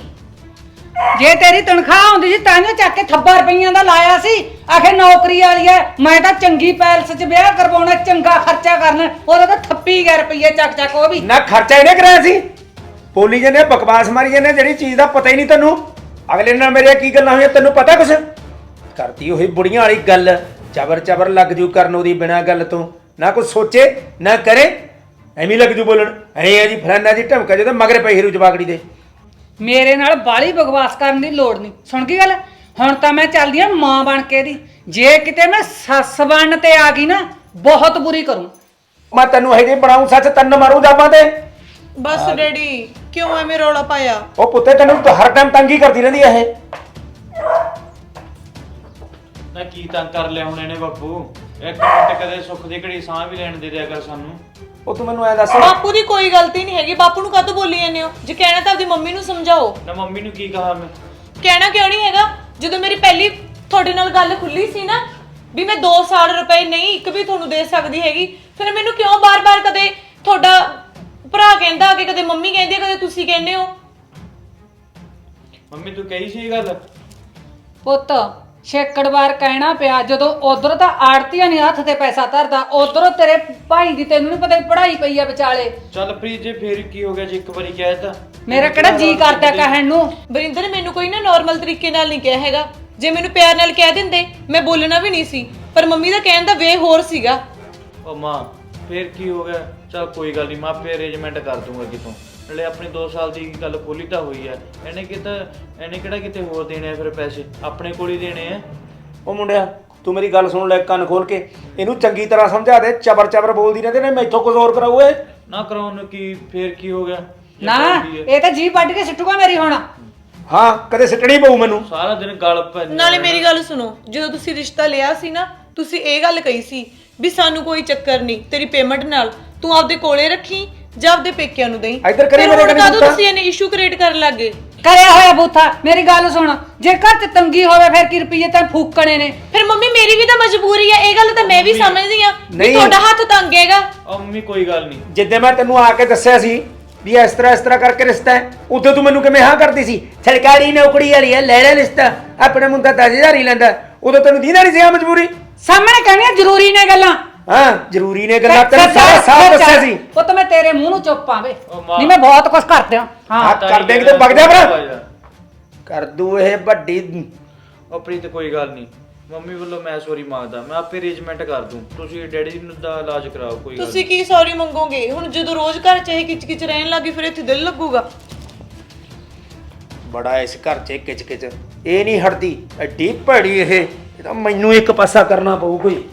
ਜੇ ਤੇਰੀ ਤਨਖਾਹ ਆਉਂਦੀ ਸੀ ਤਾਂ ਨੇ ਚੱਕ ਕੇ ਥੱਬਾ ਰੁਪਈਆਂ ਦਾ ਲਾਇਆ ਸੀ। ਆਖੇ ਨੌਕਰੀ ਵਾਲੀ ਐ, ਮੈਂ ਤਾਂ ਚੰਗੀ ਪੈਲਸ 'ਚ ਵਿਆਹ ਕਰਵਾਉਣਾ, ਚੰਗਾ ਖਰਚਾ ਕਰਨਾ। ਉਹਦਾ ਤਾਂ ਥੱਪੀ ਗਿਆ ਰੁਪਈਏ ਚੱਕ ਚੱਕ। ਉਹ ਵੀ
ਨਾ ਖਰਚਾ ਇਹਨੇ ਕਰਾਇਆ ਸੀ। ਬੋਲੀ ਜਾਂਦੇ, ਬਕਵਾਸ ਮਾਰੀ ਜਾਂਦੇ, ਜਿਹੜੀ ਚੀਜ਼ ਦਾ ਪਤਾ ਹੀ ਨਹੀਂ ਤੈਨੂੰ। ਅਗਲੇ ਨਾਲ ਮੇਰੇ ਕੀ ਗੱਲਾਂ ਹੋਈਆਂ ਤੈਨੂੰ ਪਤਾ ਕੁਛ? ਕਰਦੀ ਉਹੀ ਬੁੜੀਆਂ ਵਾਲੀ ਗੱਲ, ਚਬਰ ਚਬਰ ਲੱਗ ਜੂ ਕਰਨ ਉਹਦੀ ਬਿਨਾਂ ਗੱਲ ਤੋਂ। ਨਾ ਕੁਛ ਸੋਚੇ ਨਾ ਕਰੇ, ਐਵੇਂ ਲੱਗ ਜੂ ਬੋਲਣ। ਐ ਆ ਜੀ ਫਲਾਨਾ ਜੀ ਢਮਕਾ ਜਦੋਂ ਮਗਰ ਪਈ ਹੀਰੂ ਜਵਾਗੜੀ ਦੇ।
ਮੇਰੇ ਨਾਲ ਬਾਲੀ ਬਕਵਾਸ ਕਰਨ ਦੀ ਲੋੜ ਨਹੀਂ। ਸੁਣ ਗਈ ਗੱਲ? ਹੁਣ ਤਾਂ ਮੈਂ ਚੱਲਦੀ ਆ ਮਾਂ ਬਣ ਕੇ ਦੀ। ਜੇ ਕਿਤੇ ਮੈਂ ਸੱਸ ਬਣਨ ਤੇ ਆ ਗਈ ਨਾ, ਬਹੁਤ ਬੁਰੀ ਕਰੂੰ।
ਮੈਂ ਤੈਨੂੰ ਇਹ ਜੇ ਬਣਾਉਂ ਸੱਚ, ਤੰਨ ਮਾਰੂ ਜਾਵਾਂ ਤੇ।
ਬਸ ਡੈਡੀ ਕਿਉਂ ਐਵੇਂ ਰੌਲਾ ਪਾਇਆ?
ਉਹ ਪੁੱਤੇ ਤੈਨੂੰ ਤਾਂ ਹਰ ਟਾਈਮ ਤੰਗੀ ਕਰਦੀ ਰਹਿੰਦੀ ਐ ਇਹ।
ਨਾ ਕੀ ਤੰਗ ਕਰ ਲਿਆ ਹੁਣ ਇਹਨੇ ਬਾਪੂ? ਇੱਕ ਮਿੰਟ ਕਦੇ ਸੁੱਖ ਦੀ ਘੜੀ ਸਾਹ ਵੀ ਲੈਣ ਦੇ ਦਿਆ ਕਰ ਸਾਨੂੰ।
ਉਹ ਤੂੰ ਮੈਨੂੰ ਐ ਦੱਸ,
ਬਾਪੂ ਦੀ ਕੋਈ ਗਲਤੀ ਨਹੀਂ ਹੈਗੀ। ਬਾਪੂ ਨੂੰ ਕਾਹਤੋਂ ਬੋਲੀ ਜਾਂਦੇ ਹੋ? ਜੇ ਕਹਿਣਾ ਤਾਂ ਆਪਦੀ ਮੰਮੀ ਨੂੰ ਸਮਝਾਓ।
ਨਾ ਮੰਮੀ ਨੂੰ ਕੀ ਕਹਾ ਮੈਂ?
ਕਹਿਣਾ ਕਿਉਂ ਨਹੀਂ ਹੈਗਾ? ਜਦੋਂ ਮੇਰੀ ਪਹਿਲੀ ਤੁਹਾਡੇ ਨਾਲ ਗੱਲ ਖੁੱਲੀ ਸੀ ਨਾ ਵੀ ਮੈਂ ਦੋ ਸਾਲ ਰੁਪਏ ਨਹੀਂ ਇੱਕ ਵੀ ਤੁਹਾਨੂੰ ਦੇ ਸਕਦੀ ਹੈਗੀ, ਫਿਰ ਮੈਨੂੰ ਕਿਉਂ ਬਾਰ-ਬਾਰ ਕਦੇ ਤੁਹਾਡਾ ਭਰਾ ਕਹਿੰਦਾ ਕਿ ਕਦੇ ਮੰਮੀ ਕਹਿੰਦੀ ਕਦੇ ਤੁਸੀਂ ਕਹਿੰਦੇ ਹੋ?
ਮੰਮੀ ਤੂੰ ਕਹੀ ਸੀ ਇਹ ਗੱਲ?
ਪੁੱਤ ਛੇਕੜ ਵਾਰ ਕਹਿਣਾ ਪਿਆ, ਜਦੋਂ ਉਧਰ ਤਾਂ ਆੜਤੀਆਂ ਨਹੀਂ ਹੱਥ ਤੇ ਪੈਸਾ ਧਰਦਾ, ਉਧਰੋਂ ਤੇਰੇ ਭਾਈ ਦੀ ਤੈਨੂੰ ਨਹੀਂ ਪਤਾ ਪੜ੍ਹਾਈ ਪਈ ਆ ਵਿਚਾਲੇ।
ਚੱਲ ਪ੍ਰੀਤ ਜੇ ਫੇਰ ਕੀ ਹੋ ਗਿਆ ਜੇ ਇੱਕ ਵਾਰੀ ਕਹਿ ਤਾ?
ਮੇਰਾ ਕਿਹੜਾ ਜੀ ਕਰਦਾ ਕਹਿਣ ਨੂੰ।
ਵਰਿੰਦਰ ਮੈਨੂੰ ਕੋਈ ਨਾ ਨਾਰਮਲ ਤਰੀਕੇ ਨਾਲ ਨਹੀਂ ਕਿਹਾ ਹੈਗਾ। ਜੇ ਮੈਨੂੰ ਪਿਆਰ ਨਾਲ ਕਹਿ ਦਿੰਦੇ ਮੈਂ ਬੋਲਣਾ ਵੀ ਨਹੀਂ ਸੀ, ਪਰ ਮੰਮੀ ਦਾ ਕਹਿਣ ਦਾ ਵੇ ਹੋਰ ਸੀਗਾ।
ਉਹ ਮਾਂ ਫੇਰ ਕੀ ਹੋ ਗਿਆ? ਚੱਲ ਕੋਈ ਗੱਲ ਨਹੀਂ, ਮੈਂ ਆਪੇ ਅਰੇਂਜਮੈਂਟ ਕਰ ਦੂੰਗਾ ਕਿਤੋਂ। ਨਾਲੇ ਆਪਣੀ ਦੋ ਸਾਲ ਦੀ ਗੱਲ ਖੋਲੀ ਤਾਂ ਹੋਈ ਆ। ਇਹਨੇ ਕਿਤਾ ਇਹਨੇ ਕਿਹੜਾ ਕਿਤੇ ਹੋਰ ਦੇਣੇ ਆ ਫਿਰ ਪੈਸੇ? ਆਪਣੇ ਕੋਲ ਹੀ ਦੇਣੇ ਆ।
ਉਹ ਮੁੰਡਿਆ ਤੂੰ ਮੇਰੀ ਗੱਲ ਸੁਣ ਲੈ ਕੰਨ ਖੋਲ ਕੇ। ਇਹਨੂੰ ਚੰਗੀ ਤਰ੍ਹਾਂ ਸਮਝਾ ਦੇ, ਚਬਰ ਚਬਰ ਬੋਲਦੀ ਰਹਿੰਦੇ ਨੇ, ਮੈਥੋਂ ਕੁਝ ਹੋਰ ਕਰਾਉ ਏ।
ਨਾ ਕਰਾਉਣ ਨੂੰ ਕੀ, ਫੇਰ ਕੀ ਹੋ ਗਿਆ? ਜੇ
ਨਾ
ਕਰਦੀ ਹੈ।
ਇਹ ਤਾਂ ਜੀ ਵੱਢ ਕੇ ਸਿੱਟੂਗਾ ਮੇਰੀ ਹੁਣ।
ਹਾਂ ਕਦੇ ਸਿੱਟਣੀ ਪਊ ਮੈਨੂੰ।
ਸਾਰਾ ਦਿਨ ਗਲ ਪੈਂਦਾ।
ਨਾਲੇ ਮੇਰੀ ਗੱਲ ਸੁਣੋ, ਜਦੋਂ ਤੁਸੀਂ ਰਿਸ਼ਤਾ ਲਿਆ ਸੀ ਨਾ, ਤੁਸੀਂ ਇਹ ਗੱਲ ਕਹੀ ਸੀ ਵੀ ਸਾਨੂੰ ਕੋਈ ਚੱਕਰ ਨਹੀਂ, ਤੇਰੀ ਪੇਮੈਂਟ ਨਾਲ ਤੂੰ ਆਪਦੇ ਕੋਲੇ ਰੱਖੀ ਜਾਂ ਆਪਦੇ ਪੇਕਿਆਂ ਨੂੰ ਦੇਈ।
ਇੱਧਰ ਕਰੀ ਮੇਰੇ
ਫਿਰ ਹੁਣ
ਕਨੀ
ਕਦੋਂ
ਪੁੱਤਾਂ।
ਤੁਸੀਂ ਇਹਨੇ ਇਸ਼ੂ ਕ੍ਰੀਏਟ ਕਰਨ ਲੱਗੇ?
ਕਰਿਆ ਹੋਇਆ ਬੂਥਾ। ਮੇਰੀ ਗੱਲ ਸੁਣ, ਜੇ ਘਰ 'ਚ ਤੰਗੀ ਹੋਵੇ ਫਿਰ ਕੀ ਰੁਪਈਏ ਤਾਂ ਫੂਕਣੇ ਨੇ।
ਫਿਰ ਮੰਮੀ ਮੇਰੀ ਵੀ ਤਾਂ ਮਜਬੂਰੀ ਆ, ਇਹ ਗੱਲ ਤਾਂ ਮੈਂ ਵੀ ਸਮਝਦੀ ਆ ਵੀ
ਨਹੀਂ।
ਤੁਹਾਡਾ ਹੱਥ ਤੰਗ ਹੈਗਾ।
ਆ ਮੰਮੀ ਕੋਈ ਗੱਲ ਨਹੀਂ,
ਜਿੱਦੇ ਮੈਂ ਤੈਨੂੰ ਆ ਕੇ ਦੱਸਿਆ ਸੀ ਵੀ ਇਸ ਤਰ੍ਹਾਂ ਇਸ ਤਰ੍ਹਾਂ ਕਰਕੇ ਰਿਸ਼ਤਾ ਹੈ, ਉਦੋਂ ਤੂੰ ਮੈਨੂੰ ਕਿਵੇਂ ਹਾਂ ਕਰਦੀ ਸੀ? ਸਰਕਾਰੀ ਨੌਕਰੀ ਵਾਲੀ ਹੈ, ਲੈ ਲੈ ਰਿਸ਼ਤਾ, ਆਪਣੇ ਮੁੰਡਾ ਦਸ ਹਜ਼ਾਰ ਹੀ ਲੈਂਦਾ। ਉਦੋਂ ਤੈਨੂੰ ਦੀਦਾ ਨਹੀਂ ਸੀ ਆ ਮਜਬੂਰੀ?
ਸਾਹਮਣੇ ਕਹਿਣੀਆਂ ਜ਼ਰੂਰੀ ਨੇ ਗੱਲਾਂ।
ਹਾਂ ਜ਼ਰੂਰੀ ਨੇ ਗੱਲਾਂ, ਤੈਨੂੰ ਸਾਰਾ ਸਾਫ਼ ਦੱਸਿਆ ਸੀ।
ਉਹ ਤਾਂ ਮੈਂ ਤੇਰੇ ਮੂੰਹ ਨੂੰ ਚੁੱਪ ਆਵੇ
ਉਹ ਮਾਂ-
ਨਹੀਂ, ਮੈਂ ਬਹੁਤ ਕੁਝ ਕਰਦਿਆਂ।
ਹਾਂ
ਹਾਂ
ਕਰ ਦੇਂਗੇ ਤੇ ਵਗ ਜਾ ਭਰਾ, ਕਰ ਦੂ ਇਹ ਵੱਡੀ।
ਉਹ ਪ੍ਰੀਤ ਕੋਈ ਗੱਲ ਨਹੀਂ, ਮੰਮੀ ਵੱਲੋਂ ਮੈਂ ਸੌਰੀ ਮੰਗਦਾ, ਮੈਂ ਆਪੇ ਅਰੇਂਜਮੈਂਟ ਕਰ ਦੂੰ, ਤੁਸੀਂ ਡੈਡੀ ਨੂੰ ਦਾ ਇਲਾਜ ਕਰਾਓ, ਕੋਈ ਗੱਲ
ਤੁਸੀਂ ਕੀ ਸੌਰੀ ਮੰਗੋਗੇ? ਹੁਣ ਜਦੋਂ ਰੋਜ਼ ਘਰ 'ਚ ਇਹ ਕਿਚ ਕਿਚ ਰਹਿਣ ਲੱਗੀ ਫਿਰ ਇੱਥੇ ਦਿਲ ਲੱਗੂਗਾ।
ਬੜਾ ਇਸ ਘਰ 'ਚ ਕਿਚ ਕਿਚ, ਇਹ ਨਹੀਂ ਹਟਦੀ, ਐਡੀ ਭੜੀ ਇਹ ਇਹ ਤਾਂ ਮੈਨੂੰ ਇੱਕ ਪਾਸਾ ਕਰਨਾ ਪਊ ਕੋਈ।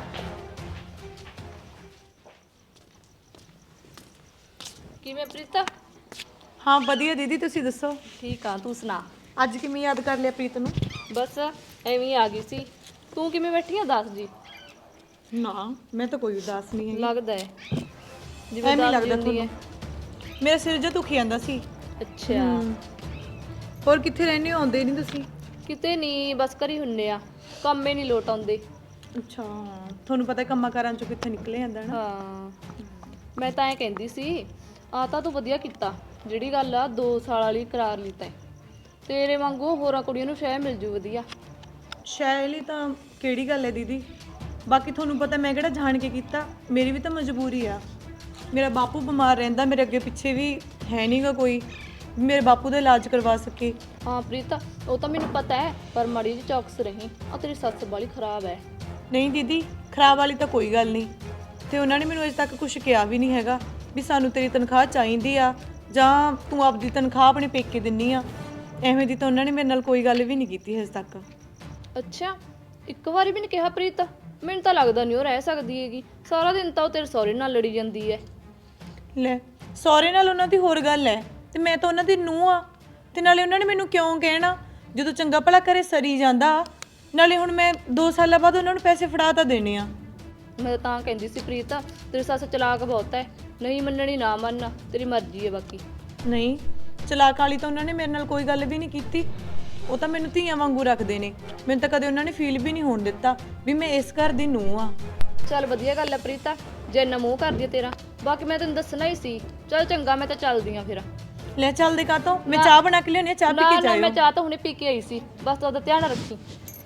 ਕਿਵੇਂ ਪ੍ਰੀਤਾ?
ਹਾਂ ਵਧੀਆ ਦੀਦੀ, ਤੁਸੀਂ ਦੱਸੋ
ਠੀਕ ਆ, ਤੂੰ ਸੁਣਾ?
ਅੱਜ ਕਿਵੇਂ ਯਾਦ ਕਰ ਲਿਆ ਪ੍ਰੀਤ ਨੂੰ?
ਬਸ ਐਵੇਂ ਹੀ ਆ ਗਈ ਸੀ। ਤੂੰ ਕਿਵੇਂ ਬੈਠੀ ਆ? ਦੱਸ ਜੀ।
ਨਾ ਮੈਂ ਤਾਂ ਕੋਈ ਉਦਾਸ ਨਹੀਂ ਹੈਗੀ।
ਲੱਗਦਾ ਹੈ ਜਿਵੇਂ
ਐਵੇਂ ਹੀ
ਦੱਸਦੀ
ਲੱਗਦਾ
ਹੁੰਦੀ ਹੈ।
ਤੁਹਾਨੂੰ? ਮੇਰਾ ਸਿਰ ਜਿਹਾ ਦੁਖੀ ਜਾਂਦਾ ਸੀ।
ਅੱਛਾ,
ਹੋਰ ਕਿੱਥੇ ਰਹਿੰਦੇ ਹੋ? ਆਉਂਦੇ ਨਹੀਂ ਤੁਸੀਂ?
ਕਿਤੇ ਨਹੀਂ, ਬਸ ਘਰੀ ਹੁੰਨੇ ਆ, ਕੰਮੇ ਨਹੀਂ ਲੋਟ ਆਉਂਦੇ।
ਅੱਛਾ, ਤੁਹਾਨੂੰ ਪਤਾ ਕੰਮਾਂ ਕਾਰਾਂ ਚੋਂ ਕਿੱਥੇ ਨਿਕਲੇ ਜਾਂਦਾ ਨਾ।
ਹਾਂ, ਮੈਂ ਤਾਂ ਐ ਕਹਿੰਦੀ ਸੀ, ਆ ਤਾਂ ਤੂੰ ਵਧੀਆ ਕੀਤਾ ਜਿਹੜੀ ਗੱਲ ਆ ਦੋ ਸਾਲ ਵਾਲੀ ਕਰਾਰ ਲਈ ਤੈਂ। ਤੇਰੇ ਵਾਂਗੂ ਹੋਰਾਂ ਕੁੜੀਆਂ ਨੂੰ ਸ਼ਾਇਦ ਮਿਲ ਜੂ ਵਧੀਆ।
ਸ਼ਾਇਦ ਹੀ ਤਾਂ ਕਿਹੜੀ ਗੱਲ ਹੈ ਦੀਦੀ? ਬਾਕੀ ਤੁਹਾਨੂੰ ਪਤਾ ਮੈਂ ਕਿਹੜਾ ਜਾਣ ਕੇ ਕੀਤਾ, ਮੇਰੀ ਵੀ ਤਾਂ ਮਜਬੂਰੀ ਆ। ਮੇਰਾ ਬਾਪੂ ਬਿਮਾਰ ਰਹਿੰਦਾ, ਮੇਰੇ ਅੱਗੇ ਪਿੱਛੇ ਵੀ ਹੈ ਨਹੀਂਗਾ ਕੋਈ ਮੇਰੇ ਬਾਪੂ ਦਾ ਇਲਾਜ ਕਰਵਾ ਸਕੇ।
ਹਾਂ ਪ੍ਰੀਤਾ, ਉਹ ਤਾਂ ਮੈਨੂੰ ਪਤਾ ਹੈ, ਪਰ ਮਾੜੀ ਜਿਹੀ ਚੌਕਸ ਰਹੀ। ਆ ਤੇਰੀ ਸੱਸ ਵਾਲੀ ਖਰਾਬ ਹੈ।
ਨਹੀਂ ਦੀਦੀ, ਖਰਾਬ ਵਾਲੀ ਤਾਂ ਕੋਈ ਗੱਲ ਨਹੀਂ, ਤੇ ਉਹਨਾਂ ਨੇ ਮੈਨੂੰ ਅਜੇ ਤੱਕ ਕੁਝ ਕਿਹਾ ਵੀ ਨਹੀਂ ਹੈਗਾ ਵੀ ਸਾਨੂੰ ਤੇਰੀ ਤਨਖਾਹ ਚਾਹੀਦੀ ਆ ਜਾਂ ਤੂੰ ਆਪਦੀ ਤਨਖਾਹ ਆਪਣੇ ਪੇਕੇ ਦਿੰਨੀ ਆ। ਐਵੇਂ ਦੀ ਤਾਂ ਉਹਨਾਂ ਨੇ ਮੇਰੇ ਨਾਲ ਕੋਈ ਗੱਲ ਵੀ ਨਹੀਂ ਕੀਤੀ ਹਜੇ ਤੱਕ।
ਅੱਛਾ, ਇੱਕ ਵਾਰੀ ਵੀ ਨਹੀਂ ਕਿਹਾ ਪ੍ਰੀਤ? ਮੈਨੂੰ ਤਾਂ ਲੱਗਦਾ ਨਹੀਂ ਉਹ ਰਹਿ ਸਕਦੀ ਹੈਗੀ, ਸਾਰਾ ਦਿਨ ਤਾਂ ਉਹ ਤੇਰੇ ਸਹੁਰੇ ਨਾਲ ਲੜੀ ਜਾਂਦੀ ਹੈ।
ਲੈ, ਸਹੁਰੇ ਨਾਲ ਉਹਨਾਂ ਦੀ ਹੋਰ ਗੱਲ ਹੈ, ਤੇ ਮੈਂ ਤਾਂ ਉਹਨਾਂ ਦੀ ਨੂੰਹ ਆ। ਤੇ ਨਾਲੇ ਉਹਨਾਂ ਨੇ ਮੈਨੂੰ ਕਿਉਂ ਕਹਿਣਾ ਜਦੋਂ ਚੰਗਾ ਭਲਾ ਘਰੇ ਸਰੀ ਜਾਂਦਾ। ਨਾਲੇ ਹੁਣ ਮੈਂ ਦੋ ਸਾਲਾਂ ਬਾਅਦ ਉਹਨਾਂ ਨੂੰ ਪੈਸੇ ਫੜਾ ਤਾਂ ਦੇਣੇ ਆ।
ਮੈਂ ਤਾਂ ਕਹਿੰਦੀ ਸੀ ਪ੍ਰੀਤ, ਤੇਰੀ ਸੱਸ ਚਲਾਕ ਬਹੁਤ ਹੈ, ਨਹੀਂ ਮੰਨਣੀ ਨਾ ਮੰਨ, ਤੇਰੀ ਮਰਜ਼ੀ ਹੈ ਬਾਕੀ।
ਨਹੀਂ, ਚਲਾਕ ਵਾਲੀ ਤਾਂ ਉਹਨਾਂ ਨੇ ਮੇਰੇ ਨਾਲ ਕੋਈ ਗੱਲ ਵੀ ਨਹੀਂ ਕੀਤੀ। ਉਹ ਤਾਂ ਮੈਨੂੰ ਧੀਆਂ ਵਾਂਗੂ ਰੱਖਦੇ ਨੇ। ਮੈਨੂੰ ਤਾਂ ਕਦੇ ਉਹਨਾਂ ਨੇ ਫੀਲ ਵੀ ਨਹੀਂ ਹੋਣ ਦਿੱਤਾ ਵੀ ਮੈਂ ਇਸ ਘਰ ਦੀ ਨੂੰਹ ਆ।
ਚੱਲ ਵਧੀਆ ਗੱਲ ਹੈ ਪ੍ਰੀਤਾ, ਜੇ ਇੰਨਾ ਮੂੰਹ ਕਰਦੀ ਹੈ ਤੇਰਾ। ਬਾਕੀ ਮੈਂ ਤੈਨੂੰ ਦੱਸਣਾ ਹੀ ਸੀ। ਚੱਲ ਚੰਗਾ, ਮੈਂ ਤਾਂ ਚੱਲਦੀ ਆ ਫਿਰ।
ਲੈ ਚੱਲਦੇ ਕਾਤੋਂ? ਮੈਂ ਚਾਹ ਬਣਾ ਕੇ ਲਿਆਉਣੀ ਆ, ਚਾਹ ਪੀ
ਨਾ
ਕੇ
ਨਾ,
ਜਾਇਓ।
ਮੈਂ ਚਾਹ ਤਾਂ ਹੁਣੇ ਪੀ ਕੇ ਆਈ ਸੀ, ਬਸ ਉਹਦਾ ਧਿਆਨ ਰੱਖੀ।